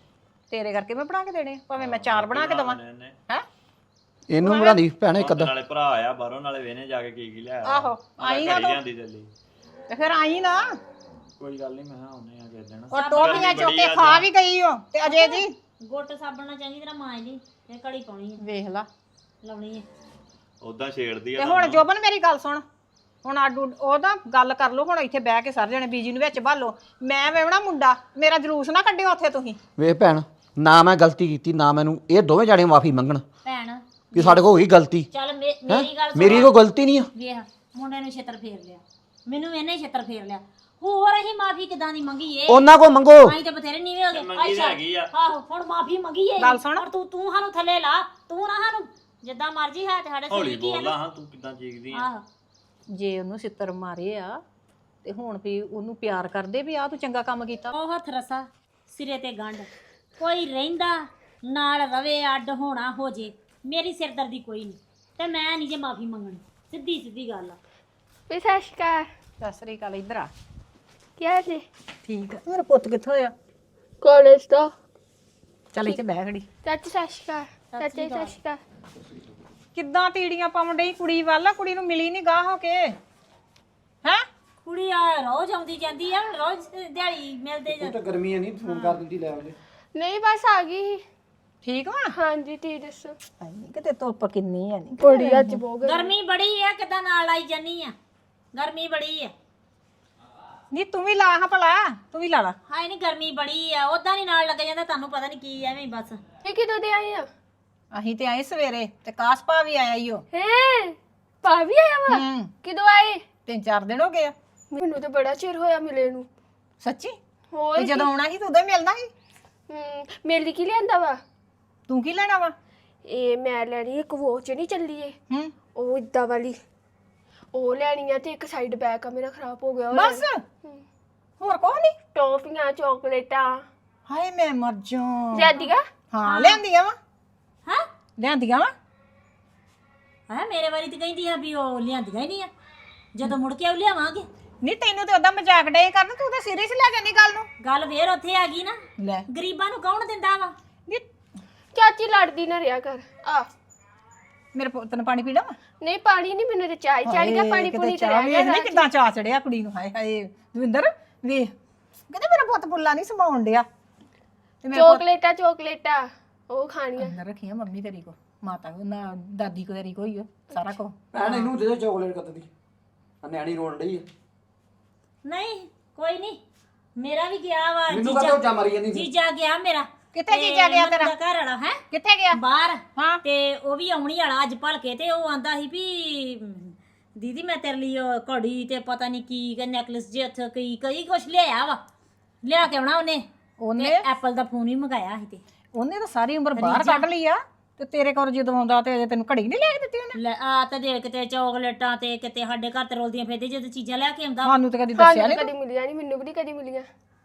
[SPEAKER 1] ਤੇਰੇ ਕਰਕੇ ਮੈਂ ਬਣਾ ਕੇ ਦੇਣੇ ਆ, ਭਾਵੇਂ ਮੈਂ ਚਾਰ ਬਣਾ ਕੇ ਦਵਾਂ
[SPEAKER 6] ਇਹਨੇ
[SPEAKER 1] ਹੈ
[SPEAKER 5] ਇਹਨੂੰ ਬਣਾਦੀ ਭੈਣ ਇੱਕ ਅੱਧਾ
[SPEAKER 6] ਨਾਲੇ ਭਰਾ ਆਇਆ ਬਾਹਰੋਂ ਨਾਲੇ ਵੇਨੇ ਜਾ ਕੇ ਕੀ ਕੀ ਲਿਆ
[SPEAKER 1] ਆਹੋ ਆਈ ਨਾ ਤੂੰ
[SPEAKER 6] ਲਿਆਂਦੀ ਦਿੱਲੀ
[SPEAKER 1] ਤੇ ਫਿਰ ਆਈ ਨਾ
[SPEAKER 6] ਕੋਈ ਗੱਲ ਨਹੀਂ ਮੈਂ ਕਿਹਾ ਆਉਨੇ ਆ ਕਿਸੇ ਦਿਨ
[SPEAKER 1] ਉਹ ਟੋਪੀਆਂ ਚੁੱਕ ਕੇ ਖਾ ਵੀ ਗਈ ਓ ਤੇ ਅਜੇ ਜੀ
[SPEAKER 4] ਗੁੱਟ ਸਾਬਣ ਨਾਲ ਚੰਗੀ ਤਰ੍ਹਾਂ ਮਾਂਜ ਲਈ ਇਹ ਕੜੀ ਪਾਉਣੀ ਹੈ
[SPEAKER 1] ਵੇਖ ਲਾ
[SPEAKER 4] ਲਾਉਣੀ ਹੈ
[SPEAKER 6] ਉਦਾਂ ਛੇੜਦੀ ਆ
[SPEAKER 1] ਤੇ ਹੁਣ ਜੋਬਨ ਮੇਰੀ ਗੱਲ ਸੁਣ ਹੁਣ ਆਡੂ ਉਹਦਾ ਗੱਲ ਕਰ ਲਓ ਹੁਣ ਇੱਥੇ ਬਹਿ ਕੇ ਸਾਰੇ ਜਣੇ ਬੀਜੀ ਨੂੰ ਵਿੱਚ ਭਾਲੋ ਮੈਂ ਵੇਵਣਾ ਮੁੰਡਾ ਮੇਰਾ ਜਲੂਸ ਨਾ ਕੱਢਿਓ ਉੱਥੇ ਤੁਸੀਂ
[SPEAKER 5] ਵੇਖ ਭੈਣ ਨਾ ਮੈਂ ਗਲਤੀ ਕੀਤੀ ਨਾ ਮੈਨੂੰ ਇਹ ਦੋਵੇਂ ਜਾਣੇ ਮਾਫੀ ਮੰਗਣ
[SPEAKER 4] ਭੈਣ
[SPEAKER 5] ਕਿ ਸਾਡੇ ਕੋਲ ਹੋਈ ਗਲਤੀ
[SPEAKER 4] ਚੱਲ ਮੇ- ਮੇਰੀ ਗੱਲ ਸੁਣ
[SPEAKER 5] ਮੇਰੀ ਕੋਈ ਗਲਤੀ ਨਹੀਂ ਆ
[SPEAKER 4] ਵੇਖ ਮੁੰਡੇ ਨੂੰ ਛੇਤਰ ਫੇਰ ਲਿਆ ਮੈਨੂੰ ਇਹਨੇ ਛੇਤਰ ਫੇਰ ਲਿਆ ਹੋਰ ਅਸੀਂ ਮਾਫੀ ਕਿਦਾਂ ਦੀ ਮੰਗੀ ਏ
[SPEAKER 5] ਉਹਨਾਂ ਕੋ ਮੰਗੋ
[SPEAKER 4] ਆਈ ਤੇ ਬਥੇਰੇ ਨੀਵੇਂ ਹੋ ਗਏ
[SPEAKER 6] ਮੰਗੀ ਤਾਂ ਹੈਗੀ ਆ
[SPEAKER 4] ਆਹੋ ਹੁਣ ਮਾਫੀ ਮੰਗੀ ਏ
[SPEAKER 1] ਗੱਲ ਸੁਣ।
[SPEAKER 4] ਪਰ ਤੂੰ ਤੂੰ ਸਾਨੂੰ ਥੱਲੇ ਲਾ ਤੂੰ ਨਾ ਸਾਨੂੰ ਜਿੱਦਾਂ ਮਰਜ਼ੀ ਹੈ ਤੇ ਸਾਡੇ
[SPEAKER 6] ਹੌਲੀ
[SPEAKER 4] ਸਰੀਰ ਕੀ ਹੈ
[SPEAKER 6] ਬੋਲਦਾ ਹਾਂ ਤੂੰ ਕਿਦਾਂ ਚੀਕਦੀ ਆ
[SPEAKER 4] ਆਹੋ
[SPEAKER 1] ਜੇ ਉਹਨੂੰ ਸਿੱਤਰ ਮਾਰੇ ਆ ਤੇ ਹੁਣ ਵੀ ਉਹਨੂੰ ਪਿਆਰ ਕਰਦੇ ਵੀ ਆ ਤੂੰ ਚੰਗਾ ਕੰਮ ਕੀਤਾ
[SPEAKER 4] ਉਹ ਹੱਥ ਰਸਾ ਸਿਰੇ ਤੇ ਗੰਢ ਕੋਈ ਰਹਿੰਦਾ ਨਾਲ ਰਵੇ ਅੱਡ ਹੋਣਾ ਹੋ ਜੇ ਮੇਰੀ ਸਿਰਦਰਦੀ ਕੋਈ ਨਹੀਂ ਤੇ ਮੈਂ ਨਹੀਂ ਜੇ ਮਾਫੀ ਮੰਗਣੀ ਸਿੱਧੀ ਸਿੱਧੀ ਗੱਲ ਆ
[SPEAKER 3] ਵੀ ਸਤਿ ਸ਼੍ਰੀ ਅਕਾਲ
[SPEAKER 1] ਸਤਿ ਸ੍ਰੀ ਅਕਾਲ ਇੱਧਰ ਆ
[SPEAKER 3] ਕੀ ਹਾਲ ਜੀ
[SPEAKER 1] ਠੀਕ ਆ ਮੇਰਾ ਪੁੱਤ ਕਿੱਥੋਂ ਆ
[SPEAKER 3] ਕਾਲਜ ਦਾ
[SPEAKER 1] ਚੱਲ ਇੱਥੇ ਬਹਿ ਖੜੀ
[SPEAKER 3] ਚਾਚੀ ਸਤਿ ਸ਼੍ਰੀ ਅਕਾਲ ਚਾਚੀ ਸਤਿ ਸ਼੍ਰੀ ਅਕਾਲ
[SPEAKER 1] ਕਿੱਦਾਂ ਤੀੜੀਆਂ ਪਾਉਣ ਡਈ ਕੁੜੀ ਵੱਲ ਕੁੜੀ ਨੂੰ ਮਿਲੀ ਨਹੀਂ ਗਾਹ ਹੋ ਕੇ ਹੈ
[SPEAKER 4] ਕੁੜੀ ਆ ਰੋਜ਼ ਆਉਂਦੀ ਜਾਂਦੀ ਆ ਰੋਜ਼ ਦਿਹਾੜੀ ਮਿਲਦੇ ਜਾਂ
[SPEAKER 5] ਤਾਂ ਗਰਮੀਆਂ ਨਹੀਂ ਫੋਨ ਕਰ ਦਿੰਦੀ ਲੈ ਆਉਂਦੇ
[SPEAKER 3] ਨਹੀਂ ਬਸ ਆ ਗਈ
[SPEAKER 1] ਠੀਕ ਵਾ
[SPEAKER 3] ਹਾਂਜੀ ਤੀ ਦੱਸੋ
[SPEAKER 1] ਨਹੀਂ ਕਿਤੇ ਧੁੱਪ ਕਿੰਨੀ ਆ ਨਹੀਂ
[SPEAKER 3] ਬੜੀ ਅੱਜ ਬਹੁਤ
[SPEAKER 4] ਗਰਮੀ ਬੜੀ ਆ ਕਿਦਾਂ ਨਾਲ ਆਈ ਜਾਨੀ ਆ ਗਰਮੀ ਬੜੀ ਆ
[SPEAKER 1] ਨਹੀਂ ਤੂੰ ਵੀ ਲਾ ਹਾਂ ਭਲਾ ਤੂੰ ਵੀ ਲਾ ਲਾ
[SPEAKER 4] ਹਾਏ ਨਹੀਂ ਗਰਮੀ ਬੜੀ ਆ ਉਦਾਂ ਨਹੀਂ ਨਾਲ ਲੱਗ ਜਾਂਦਾ ਤੁਹਾਨੂੰ ਪਤਾ ਨਹੀਂ ਕੀ ਐਵੇਂ ਹੀ ਬਸ
[SPEAKER 3] ਇਹ ਕਿਦੋਂ ਦੇ ਆਏ ਆ
[SPEAKER 1] ਅਸੀਂ ਤੇ ਆਏ ਸਵੇਰੇ ਤੇ ਕਾਸਪਾ ਵੀ ਆਇਆ ਈ ਓ
[SPEAKER 3] ਹੈ ਭਾਵੀ ਆਇਆ ਵਾ
[SPEAKER 1] ਹੂੰ
[SPEAKER 3] ਕਿਦੋਂ ਆਏ
[SPEAKER 1] ਤਿੰਨ ਚਾਰ ਦਿਨ ਹੋ ਗਏ ਆ
[SPEAKER 3] ਮੈਨੂੰ ਤਾਂ ਬੜਾ ਚਿਰ ਹੋਇਆ ਮਿਲੇ ਨੂੰ
[SPEAKER 1] ਸੱਚੀ
[SPEAKER 3] ਹੋਰ
[SPEAKER 1] ਤੇ ਜਦੋਂ ਆਉਣਾ ਸੀ ਤੂੰ ਉਦੋਂ ਹੀ ਮਿਲਣਾ ਸੀ
[SPEAKER 3] ਹਮ, ਮੇਰੇ ਲਈ ਕੀ ਲਿਆਂਦਾ ਵਾ
[SPEAKER 1] ਤੂੰ ਕੀ ਲੈਣਾ ਵਾ
[SPEAKER 3] ਇਹ ਮੈਂ ਲੈਣੀ ਇੱਕ ਵੋਚ ਨਹੀਂ ਚੱਲੀ ਏ
[SPEAKER 1] ਹੂੰ
[SPEAKER 3] ਉਹ ਇਦਾਂ ਵਾਲੀ ਉਹ ਲੈਣੀ ਆ ਤੇ ਇੱਕ ਸਾਈਡ ਬੈਕ ਆ ਮੇਰਾ ਖਰਾਬ ਹੋ ਗਿਆ ਉਹ
[SPEAKER 1] ਬਸ
[SPEAKER 3] ਹਮ,
[SPEAKER 1] ਹੋਰ ਕੋਈ ਨਹੀਂ
[SPEAKER 3] ਟੌਫੀਆਂ ਚਾਕਲੇਟਾਂ
[SPEAKER 1] ਹਾਏ ਮੈਂ ਮਰ ਜਾ
[SPEAKER 3] ਲਿਆਂਦੀਗਾ
[SPEAKER 1] ਹਾਂ ਲਿਆਂਦੀਆਂ ਵਾ
[SPEAKER 4] ਹਾਂ
[SPEAKER 1] ਲਿਆਂਦੀਆਂ ਵਾ
[SPEAKER 4] ਹੈ ਮੇਰੇ ਵਾਰੀ ਤੇ ਕਹਿੰਦੀ ਆ ਵੀ ਉਹ ਲਿਆਂਦੀਆਂ ਹੀ ਨਹੀਂ ਆ ਜਦੋਂ ਮੁੜ ਕੇ ਉਹ ਲਿਆਵਾਂਗੇ।
[SPEAKER 1] ਨਹੀਂ ਤੈਨੂੰ ਤੇ ਉਹਦਾ ਮਜ਼ਾਕ ਡੇ ਕਰਨ, ਤੂੰ ਤਾਂ ਸੀਰੀਅਸ ਲੈ ਜਾਂਦੀ ਗੱਲ ਨੂੰ।
[SPEAKER 4] ਗੱਲ ਫੇਰ ਉੱਥੇ ਆ ਗਈ ਨਾ,
[SPEAKER 1] ਲੈ
[SPEAKER 4] ਗਰੀਬਾਂ ਨੂੰ ਕੌਣ ਦਿੰਦਾ ਵਾ?
[SPEAKER 1] ਨੀ
[SPEAKER 7] ਚਾਚੀ ਲੜਦੀ ਨਾ ਰਿਹਾ ਕਰ ਆ
[SPEAKER 1] ਮੇਰੇ ਪੁੱਤ ਨੂੰ ਪਾਣੀ ਪੀਣਾ ਵਾ?
[SPEAKER 7] ਨਹੀਂ ਪਾਣੀ ਨਹੀਂ ਮੈਨੂੰ ਤੇ ਚਾਹ ਹੀ ਚੜ ਗਿਆ ਪਾਣੀ ਪੂਣੀ ਤੇ ਰਹਿ ਗਿਆ
[SPEAKER 1] ਨਹੀਂ ਕਿੱਦਾਂ ਚਾਹ ਚੜਿਆ ਕੁੜੀ ਨੂੰ। ਹਾਏ ਹਾਏ ਦਵਿੰਦਰ ਵੇਖ ਕਹਿੰਦੇ ਮੇਰਾ ਪੁੱਤ ਪੁੱਲਾ ਨਹੀਂ ਸਮਾਉਣ ਡਿਆ ਤੇ ਮੈਂ
[SPEAKER 7] ਚੋਕਲੇਟਾਂ ਚੋਕਲੇਟਾਂ ਉਹ ਖਾਣੀਆਂ
[SPEAKER 1] ਅੰਦਰ ਰੱਖੀਆਂ ਮੰਮੀ ਤੇਰੀ ਕੋ, ਮਾਤਾ ਕੋ ਨਾ ਦਾਦੀ ਕੋ ਤੇਰੀ ਕੋਈ ਸਾਰਾ ਕੋ।
[SPEAKER 5] ਭੈਣ ਇਹਨੂੰ ਦੇ ਦੇ ਚਾਕਲੇਟ ਕੱਤਦੀ ਆ ਨਿਆਣੀ ਰੋਣ ਡਈ ਆ
[SPEAKER 4] ਨਹੀਂ ਕੋਈ ਨਹੀਂ, ਮੇਰਾ ਵੀ ਗਿਆ ਵਾ
[SPEAKER 5] ਮੈਨੂੰ ਕਹਦਾ ਉੱਚਾ ਮਾਰੀ ਜਾਂਦੀ ਸੀ।
[SPEAKER 4] ਜੀਜਾ ਗਿਆ ਮੇਰਾ।
[SPEAKER 1] ਕਿੱਥੇ ਜੀਜਾ ਗਿਆ ਤੇਰਾ?
[SPEAKER 4] ਘਰ ਵਾਲਾ ਹੈ
[SPEAKER 1] ਕਿੱਥੇ ਗਿਆ?
[SPEAKER 4] ਬਾਹਰ।
[SPEAKER 1] ਹਾਂ
[SPEAKER 4] ਤੇ ਉਹ ਵੀ ਆਉਣੀ ਵਾਲਾ ਅੱਜ ਭਲਕੇ, ਤੇ ਉਹ ਆਂਦਾ ਸੀ ਵੀ ਦੀਦੀ ਮੈਂ ਤੇਰੇ ਲਈ ਉਹ ਘੜੀ ਤੇ ਪਤਾ ਨਹੀਂ ਕੀ ਕਿ ਨੈਕਲਸ ਜੇ ਉੱਥੇ ਕਈ ਕਈ ਕੁਛ ਲਿਆਇਆ ਵਾ, ਲਿਆ ਕੇ ਆਉਣਾ ਉਹਨੇ।
[SPEAKER 1] ਉਹਨੇ
[SPEAKER 4] ਐਪਲ ਦਾ ਫੋਨ ਹੀ ਮੰਗਾਇਆ ਸੀ ਤੇ
[SPEAKER 1] ਉਹਨੇ ਤਾਂ ਸਾਰੀ ਉਮਰ ਬਾਹਰ ਕੱਢ ਲਈ ਆ, ਤੇ ਤੇਰੇ ਕੋਲ ਜਦੋਂ ਆਉਂਦਾ ਤੇ ਅਜੇ ਤੈਨੂੰ ਘੜੀ ਨਹੀਂ ਲੈ ਕੇ ਦਿੱਤੀ ਉਹਨੇ।
[SPEAKER 4] ਲੈ ਆ ਤੇ ਦੇ ਕਿਤੇ ਚੌਕਲੇਟਾਂ ਤੇ ਕਿਤੇ ਸਾਡੇ ਘਰ ਤੇ ਰੋਲਦੀਆਂ ਫਿਰਦੇ ਜਦੋਂ ਚੀਜ਼ਾਂ ਲੈ ਕੇ ਆਉਂਦਾ
[SPEAKER 1] ਸਾਨੂੰ ਤਾਂ ਕਦੀ ਦੱਸਿਆ
[SPEAKER 7] ਸਾਨੂੰ
[SPEAKER 1] ਨਹੀਂ।
[SPEAKER 7] ਕਦੀ ਮਿਲੀਆਂ ਨਹੀਂ, ਮੈਨੂੰ ਵੀ ਨਹੀਂ ਕਦੀ ਮਿਲੀਆਂ।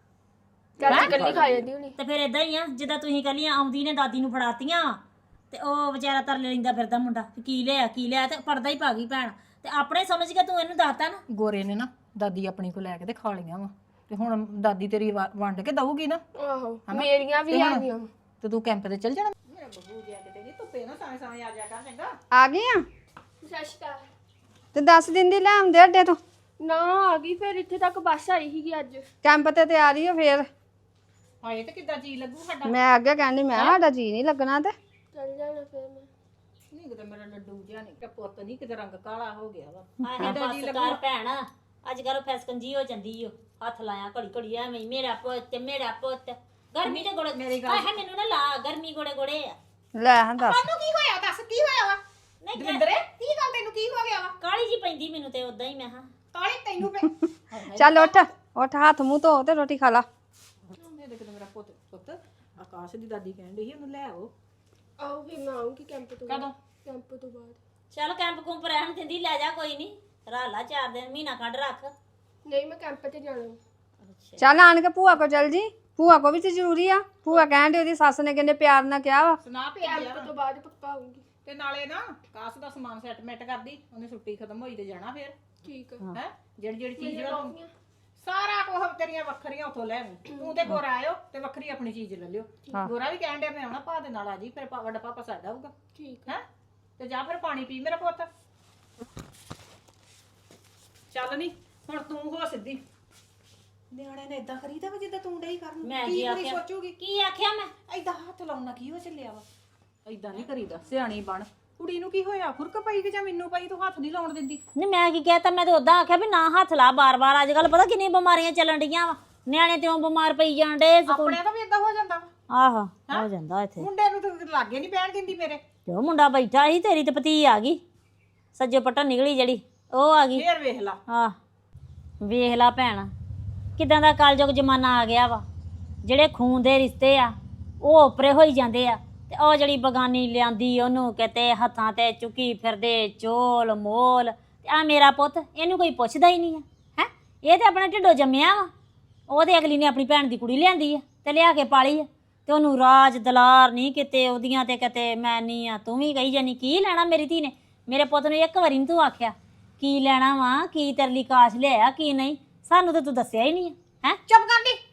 [SPEAKER 7] ਚਾਚੀ ਕੱਲੀ ਖਾ ਜਾਂਦੀ ਹੁਣੀ।
[SPEAKER 4] ਤੇ ਫਿਰ ਇਦਾਂ ਹੀ ਆ ਜਿੱਦਾਂ ਤੁਸੀਂ ਕੱਲੀਆਂ ਆਉਂਦੀ ਨੇ ਦਾਦੀ ਨੂੰ ਫੜਾਤੀਆਂ ਤੇ ਉਹ ਵਿਚਾਰਾ ਤਰਲੇ ਲੈਂਦਾ ਫਿਰਦਾ ਮੁੰਡਾ ਵੀ ਕੀ ਲਿਆ ਕੀ ਲਿਆ, ਤੇ ਪੜਦਾ ਹੀ ਪਾ ਗਈ ਭੈਣ। ਤੇ ਆਪਣੇ ਸਮਝ ਕੇ ਤੂੰ ਇਹਨੂੰ ਦੱਸਤਾ ਨਾ।
[SPEAKER 1] ਗੋਰੇ ਨੇ ਨਾ ਦਾਦੀ ਆਪਣੀ ਕੋ ਲੈ ਕੇ ਤੇ ਖਾ ਲਈਆਂ ਵਾ, ਤੇ ਹੁਣ ਦਾਦੀ ਤੇਰੀ ਵਾ- ਵੰਡ ਕੇ ਦਊਗੀ ਨਾ,
[SPEAKER 7] ਆਹੋ ਮੇਰੀਆਂ ਵੀ ਹੈਗੀਆਂ।
[SPEAKER 1] ਤੇ ਤੂੰ ਕੈਂਪ ਤੇ ਚੱਲ ਜਾਣਾ। ਮੇਰਾ ਬੱਬੂ ਜਿਆ ਕਿਤੇ ਨਹੀਂ ਧੁੱਪੇ ਨਾ ਸਾਵੇਂ ਸਾਵੇਂ ਆ ਜਾ ਕਰ ਚੰਗਾ।
[SPEAKER 3] ਆ ਗਈ ਆ
[SPEAKER 7] ਸਤਿ ਸ਼੍ਰੀ ਅਕਾਲ।
[SPEAKER 3] ਤੇ ਦਸ ਦਿਨ ਦੀ ਲੈ ਆਉਂਦੇ ਅੱਡੇ ਤੋਂ।
[SPEAKER 7] ਨਾ ਆ ਗਈ ਫਿਰ ਇੱਥੇ ਤੱਕ ਬੱਸ ਆਈ ਸੀਗੀ ਅੱਜ।
[SPEAKER 3] ਕੈਂਪ ਤੇ ਤਿਆਰੀ ਹੋ ਫੇਰ।
[SPEAKER 1] ਹਾਏ ਤੇ ਕਿੱਦਾਂ ਜੀ ਲੱਗੂ ਸਾਡਾ।
[SPEAKER 3] ਮੈਂ ਅੱਗੇ ਕਹਿੰਦੀ ਮੈਂ ਸਾਡਾ ਜੀ ਨਹੀਂ ਲੱਗਣਾ ਤੇ
[SPEAKER 7] ਚੱਲ ਜਾਣਾ ਫਿਰ ਮੈਂ।
[SPEAKER 1] ਨਹੀਂ ਕਿਤੇ ਮੇਰਾ ਲੱਡੂ ਜਿਹਾ ਨਹੀਂ, ਪੁੱਤ ਨਹੀਂ ਕਿਤੇ ਰੰਗ ਕਾਲਾ ਹੋ ਗਿਆ ਵਾ।
[SPEAKER 4] ਹਾਏ ਹਾਏ ਬਸ ਕਰ ਭੈਣ, ਅੱਜ ਕੱਲ ਫੈਸਕੰਜੀ ਹੋ ਜਾਂਦੀ ਓ। ਹੱਥ ਲਾਇਆ ਘੜੀ ਘੜੀ ਐਵੇਂ ਹੀ, ਮੇਰਾ ਪੁੱਤ ਮੇਰਾ ਪੁੱਤ। ਗਰਮੀ ਤੇ ਗੋੜੇ ਮੇਰੀ ਗੱਲ ਹੈ, ਮੈਨੂੰ ਨਾ ਲਾ ਗਰਮੀ ਗੋੜੇ ਗੋੜੇ ਆ।
[SPEAKER 3] ਲੈ ਹਾਂ ਦੱਸ
[SPEAKER 1] ਤੈਨੂੰ ਕੀ ਹੋਇਆ ਦੱਸ, ਕੀ ਹੋਇਆ ਵਾ?
[SPEAKER 4] ਨਹੀਂ
[SPEAKER 1] ਦਵਿੰਦਰੇ ਕੀ ਗੱਲ, ਤੈਨੂੰ ਕੀ ਹੋ ਗਿਆ ਵਾ?
[SPEAKER 4] ਕਾਲੀ ਜੀ ਪੈਂਦੀ ਮੈਨੂੰ ਤੇ ਉਦਾਂ ਹੀ। ਮੈਂ ਹਾਂ
[SPEAKER 1] ਕਾਲੀ ਤੈਨੂੰ ਪੈ
[SPEAKER 3] ਚੱਲ ਉੱਠ ਉੱਠ ਹੱਥ ਮੂੰਹ ਧੋ ਤੇ ਰੋਟੀ ਖਾ ਲਾ।
[SPEAKER 1] ਮੇਰੇ ਕਿਤੇ ਮੇਰਾ ਪੁੱਤ ਪੁੱਤ ਆਕਾਸ਼ ਦੀ ਦਾਦੀ ਕਹਿਣ ਡਈ ਸੀ ਉਹਨੂੰ ਲੈ ਆਓ।
[SPEAKER 7] ਆਓ ਫਿਰ ਮੈਂ ਆਉਂਗੀ ਕੈਂਪ ਤੋਂ।
[SPEAKER 1] ਕਦੋਂ?
[SPEAKER 7] ਕੈਂਪ ਤੋਂ ਬਾਅਦ।
[SPEAKER 4] ਚੱਲ ਕੈਂਪ ਕੁੰਪ ਰਹਿਣ ਦਿੰਦੀ, ਲੈ ਜਾ ਕੋਈ ਨਹੀਂ, ਰਾਲਾ ਚਾਰ ਦਿਨ ਮਹੀਨਾ ਕੱਢ ਰੱਖ।
[SPEAKER 7] ਨਹੀਂ ਮੈਂ ਕੈਂਪ ਤੇ ਜਾਣਾ।
[SPEAKER 3] ਚੱਲ ਆਣ ਕੇ ਭੂਆ ਕੋ ਚੱਲ ਜੀ, ਭੂਆ ਕੋ ਵੀ ਤੇ ਜ਼ਰੂਰੀ ਆ। ਭੂਆ ਕਹਿਣ ਦੀ ਉਹਦੀ ਸੱਸ ਨੇ ਕਿੰਨੇ ਪਿਆਰ ਨਾਲ ਕਿਹਾ ਵਾ।
[SPEAKER 1] ਸੁਣਾ ਭੇਜਿਆ
[SPEAKER 7] ਕੈਂਪ ਤੋਂ ਬਾਅਦ ਪੱਕਾ ਆਉਂਗੀ।
[SPEAKER 1] ਤੇ ਨਾਲੇ ਨਾ ਆਕਾਸ਼ ਦਾ ਸਮਾਨ ਸੈਟਮੈਂਟ ਕਰਦੀ, ਉਹਨੇ ਛੁੱਟੀ ਖਤਮ ਹੋਈ ਤੇ ਜਾਣਾ ਫਿਰ
[SPEAKER 7] ਠੀਕ ਆ।
[SPEAKER 1] ਹੈ। ਜਿਹੜੀ ਜਿਹੜੀ ਚੀਜ਼ ਵਾ ਤੂੰ ਸਾਰਾ ਕੁਝ ਤੇਰੀਆਂ ਵੱਖਰੀਆਂ ਉਥੋਂ ਲੈ ਆਵੀਂ। ਤੂੰ ਤੇ ਗੋਰਾ ਆਇਓ ਤੇ ਵੱਖਰੀ ਆਪਣੀ ਚੀਜ਼ ਲੈ ਲਿਓ। ਗੋਰਾ ਵੀ ਕਹਿਣ ਡਿਆ ਮੈਂ ਆਉਣਾ, ਭਾ ਦੇ ਨਾਲ ਆ ਜੀ, ਫਿਰ ਭਾ- ਵੱਡਾ ਪਾਪਾ ਸਾਡਾ ਆਊਗਾ।
[SPEAKER 7] ਠੀਕ
[SPEAKER 1] ਹੈ ਤੇ ਜਾ ਫਿਰ ਪਾਣੀ ਪੀ ਮੇਰਾ ਪੁੱਤ। ਚੱਲ ਨਹੀਂ ਹੁਣ ਤੂੰ ਹੋ ਸਿੱਧੀ। ਨਿਆਣੇ ਨੇ ਇਦਾਂ ਕਰੀਦਾ ਵਾ ਜਿੱਦਾਂ ਤੂੰ ਡਈ ਕਰਨ।
[SPEAKER 4] ਮੈਂ
[SPEAKER 1] ਕੀ
[SPEAKER 4] ਕੀ
[SPEAKER 1] ਕੁੜੀ
[SPEAKER 4] ਆਖਿਆ?
[SPEAKER 1] ਸੋਚੂਗੀ?
[SPEAKER 4] ਕੀ ਆਖਿਆ ਮੈਂ?
[SPEAKER 1] ਏਦਾਂ ਹੱਥ ਲਾਉਣਾ ਕੀ ਹੋ ਚੱਲਿਆ ਵਾ? ਏਦਾਂ ਨਹੀਂ ਕਰੀਦਾ, ਸਿਆਣੀ ਬਣ। ਕੁੜੀ ਨੂੰ ਕੀ ਹੋਇਆ, ਖੁਰਕ ਪਈ ਕਿ ਜਾਂ ਮੈਨੂੰ ਪਈ? ਤੂੰ ਹੱਥ ਨਹੀਂ ਲਾਉਣ ਦਿੰਦੀ।
[SPEAKER 4] ਨਹੀਂ ਮੈਂ ਕੀ ਕਹਿਤਾ, ਮੈਂ ਤਾਂ ਉਦਾਂ ਆਖਿਆ ਵੀ ਨਾ ਹੱਥ ਲਾ ਬਾਰ-ਬਾਰ। ਅੱਜ ਕੱਲ ਪਤਾ ਕਿੰਨੀਆਂ ਬਿਮਾਰੀਆਂ ਚੱਲਣ ਡੀਆਂ ਵਾ, ਨਿਆਣੇ ਤਿਉਂ ਬਿਮਾਰ ਪਈ ਜਾਣ ਡੇ ਸਕੂਲ।
[SPEAKER 1] ਆਪਣੇ ਤਾਂ ਵੀ ਏਦਾਂ ਹੋ ਜਾਂਦਾ ਵਾ।
[SPEAKER 4] ਆਹੋ ਹੋ ਜਾਂਦਾ ਇੱਥੇ।
[SPEAKER 1] ਮੁੰਡੇ ਨੂੰ ਤਾਂ ਲਾਗੇ ਨਹੀਂ ਪੈਣ ਦਿੰਦੀ ਮੇਰੇ।
[SPEAKER 4] ਜੋ ਮੁੰਡਾ ਬੈਠਾ ਸੀ, ਤੇਰੀ ਤੇ ਭਤੀ ਆ ਗਈ ਸੱਜੇ ਪੱਟਾ ਨਿਕਲੀ ਜਿਹੜੀ, ਉਹ ਆ ਗਈ।
[SPEAKER 1] ਫੇਰ ਵੇਖ ਲਾ।
[SPEAKER 4] ਆਹ ਵੇਖ ਲਾ ਭੈਣ, ਕਿਦਾਂ ਦਾ ਕਲਯੁਗ ਜ਼ਮਾਨਾ ਆ ਗਿਆ ਵਾ। ਜਿਹੜੇ ਖੂਨ ਦੇ ਰਿਸ਼ਤੇ ਆ ਉਹ ਉੱਪਰੇ ਹੋਈ ਜਾਂਦੇ ਆ, ਤੇ ਉਹ ਜਿਹੜੀ ਬਗਾਨੀ ਲਿਆਂਦੀ ਉਹਨੂੰ ਕਿਤੇ ਹੱਥਾਂ ਤੇ ਚੁੱਕੀ ਫਿਰਦੇ ਚੋਲ ਮੋਲ। ਤੇ ਆ ਮੇਰਾ ਪੁੱਤ, ਇਹਨੂੰ ਕੋਈ ਪੁੱਛਦਾ ਹੀ ਨਹੀਂ ਆ। ਹੈ ਇਹ ਤੇ ਆਪਣੇ ਢਿੱਡੋਂ ਜੰਮਿਆ ਵਾ। ਉਹਦੇ ਅਗਲੀ ਨੇ ਆਪਣੀ ਭੈਣ ਦੀ ਕੁੜੀ ਲਿਆਂਦੀ ਆ ਤੇ ਲਿਆ ਕੇ ਪਾਲੀ ਆ, ਤੇ ਉਹਨੂੰ ਰਾਜ ਦਲਾਰ ਨਹੀਂ ਕਿਤੇ ਉਹਦੀਆਂ ਤੇ ਕਿਤੇ ਮੈਂ ਨਹੀਂ ਆ। ਤੂੰ ਵੀ ਕਹੀ ਜਾਨੀ ਕੀ ਲੈਣਾ ਮੇਰੀ ਧੀ ਨੇ। ਮੇਰੇ ਪੁੱਤ ਨੂੰ ਇੱਕ ਵਾਰੀ ਨੀ ਤੂੰ ਆਖਿਆ ਕੀ ਲੈਣਾ ਵਾ, ਕੀ ਤੇਰੇ ਲਈ ਕਾਸ਼ ਲਿਆਇਆ ਕੀ ਨਹੀਂ। ਸਾਨੂੰ ਤਾਂ ਤੂੰ ਦੱਸਿਆ ਹੀ ਨਹੀਂ ਹੈ। ਹੈ
[SPEAKER 1] ਚੁੱਪ ਕਰ ਦੀ।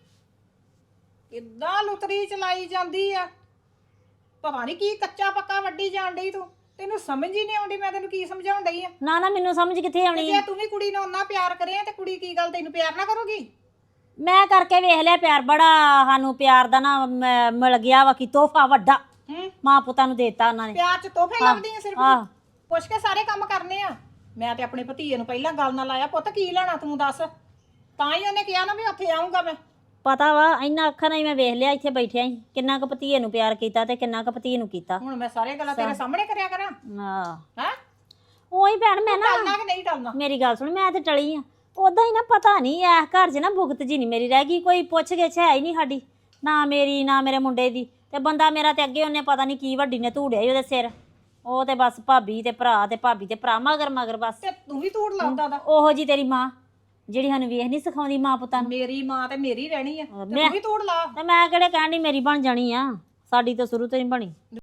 [SPEAKER 1] ਕਿੱਦਾਂ ਲੁਤਰੀ ਚਲਾਈ ਜਾਂਦੀ ਆ, ਪਤਾ ਨਹੀਂ ਕੀ ਕੱਚਾ ਪੱਕਾ ਵੱਡੀ ਜਾਣ ਡਈ ਤੂੰ। ਤੈਨੂੰ ਸਮਝ ਹੀ ਨਹੀਂ ਆਉਂਦੀ ਮੈਂ ਤੈਨੂੰ ਕੀ ਸਮਝਾਉਣ ਡਈ ਆ।
[SPEAKER 4] ਨਾ ਨਾ ਮੈਨੂੰ ਸਮਝ ਕਿੱਥੇ
[SPEAKER 1] ਤੇ
[SPEAKER 4] ਆਉਣੀ
[SPEAKER 1] ਜੇ
[SPEAKER 4] ਆ।
[SPEAKER 1] ਤੂੰ ਵੀ ਕੁੜੀ ਨੂੰ ਓਨਾ ਪਿਆਰ ਕਰੇ ਤੇ ਕੁੜੀ ਕੀ ਗੱਲ ਤੈਨੂੰ ਪਿਆਰ ਨਾ ਕਰੂਗੀ?
[SPEAKER 4] ਮੈਂ ਕਰਕੇ ਵੇਖ ਲਿਆ ਪਿਆਰ, ਬੜਾ ਸਾਨੂੰ ਪਿਆਰ ਦਾ ਨਾ ਮ- ਮਿਲ ਗਿਆ ਵਾ ਕਿ ਤੋਹਫਾ ਵੱਡਾ
[SPEAKER 1] ਹੂੰ
[SPEAKER 4] ਮਾਂ ਪੁੱਤਾਂ ਨੂੰ ਦੇਤਾ ਉਹਨਾਂ ਨੇ।
[SPEAKER 1] ਪਿਆਰ ਚ ਤੋਹਫੇ ਲੱਭਦੀ ਆ ਸਿਰਫ।
[SPEAKER 4] ਆਹ
[SPEAKER 1] ਪੁੱਛ ਕੇ ਸਾਰੇ ਕੰਮ ਕਰਨੇ ਆ। ਮੈਂ ਤੇ ਆਪਣੇ ਭਤੀਏ ਨੂੰ ਪਹਿਲਾਂ ਗੱਲ ਨਾਲ ਲਾਇਆ, ਪੁੱਤ ਕੀ ਲੈਣਾ ਤੂੰ ਦੱਸ। ਤਾਂ ਹੀ ਉਹਨੇ ਕਿਹਾ ਨਾ ਵੀ ਉੱਥੇ ਆਉਂਗਾ ਮੈਂ।
[SPEAKER 4] ਪਤਾ ਵਾ ਇੰਨਾ ਅੱਖਾਂ ਨਾਲ ਹੀ ਮੈਂ ਵੇਖ ਲਿਆ ਇੱਥੇ ਬੈਠਿਆ ਹੀ, ਕਿੰਨਾ ਕੁ ਭਤੀਏ ਨੂੰ ਪਿਆਰ ਕੀਤਾ ਤੇ ਕਿੰਨਾ ਕੁ ਭਤੀਏ ਨੂੰ ਕੀਤਾ।
[SPEAKER 1] ਹੁਣ ਮੈਂ ਸਾਰੇ ਗੱਲਾਂ ਤੇਰੇ ਸਾਹਮਣੇ ਕਰਿਆ ਕਰਾਂ?
[SPEAKER 4] ਆਹ
[SPEAKER 1] ਹੈ
[SPEAKER 4] ਉਹੀ ਭੈਣ ਮੈਂ ਨਾ,
[SPEAKER 1] ਟਲਣਾ ਕਿ ਨਹੀਂ ਟਲਣਾ?
[SPEAKER 4] ਮੇਰੀ ਗੱਲ ਸੁਣ, ਮੈਂ ਤੇ ਟਲੀ ਆ ਉਦਾਂ ਹੀ ਨਾ। ਪਤਾ ਨਹੀਂ ਐ ਘਰ 'ਚ ਨਾ ਭੁਗਤ ਜੀ ਨਹੀਂ ਮੇਰੀ ਰਹਿ ਗਈ, ਕੋਈ ਪੁੱਛ ਗਿੱਛ ਹੈ ਹੀ ਨਹੀਂ ਸਾਡੀ, ਨਾ ਮੇਰੀ ਨਾ ਮੇਰੇ ਮੁੰਡੇ ਦੀ। ਤੇ ਬੰਦਾ ਮੇਰਾ ਤੇ ਅੱਗੇ ਉਹਨੇ ਪਤਾ ਨਹੀਂ ਕੀ ਵੱਡੀ ਨੇ ਧੂੜਿਆ ਹੀ ਉਹਦੇ ਸਿਰ। ਉਹ ਤੇ ਬਸ ਭਾਬੀ ਤੇ ਭਰਾ ਤੇ ਭਾਬੀ ਤੇ ਭਰਾ ਮਗਰ ਮਗਰ ਬਸ।
[SPEAKER 1] ਤੇ ਤੂੰ ਵੀ ਧੂੜ ਲਾਉਂਦਾ ਦਾ।
[SPEAKER 4] ਉਹੋ ਜੀ ਤੇਰੀ ਮਾਂ ਜਿਹੜੀ ਸਾਨੂੰ ਵੇਖ ਨਹੀਂ ਸਿਖਾਉਂਦੀ ਮਾਂ ਪੁੱਤਾਂ ਨੂੰ।
[SPEAKER 1] ਮੇਰੀ ਮਾਂ ਤੇ ਮੇਰੀ ਰਹਿਣੀ ਆ, ਤੇ
[SPEAKER 4] ਮੈਂ-
[SPEAKER 1] ਤੂੰ ਵੀ ਧੂੜ ਲਾ।
[SPEAKER 4] ਤੇ ਮੈਂ ਕਿਹੜੇ ਕਹਿਣ ਡਈ ਮੇਰੀ ਬਣ ਜਾਣੀ ਆ, ਸਾਡੀ ਤਾਂ ਸ਼ੁਰੂ ਤੋਂ ਹੀ ਬਣੀ।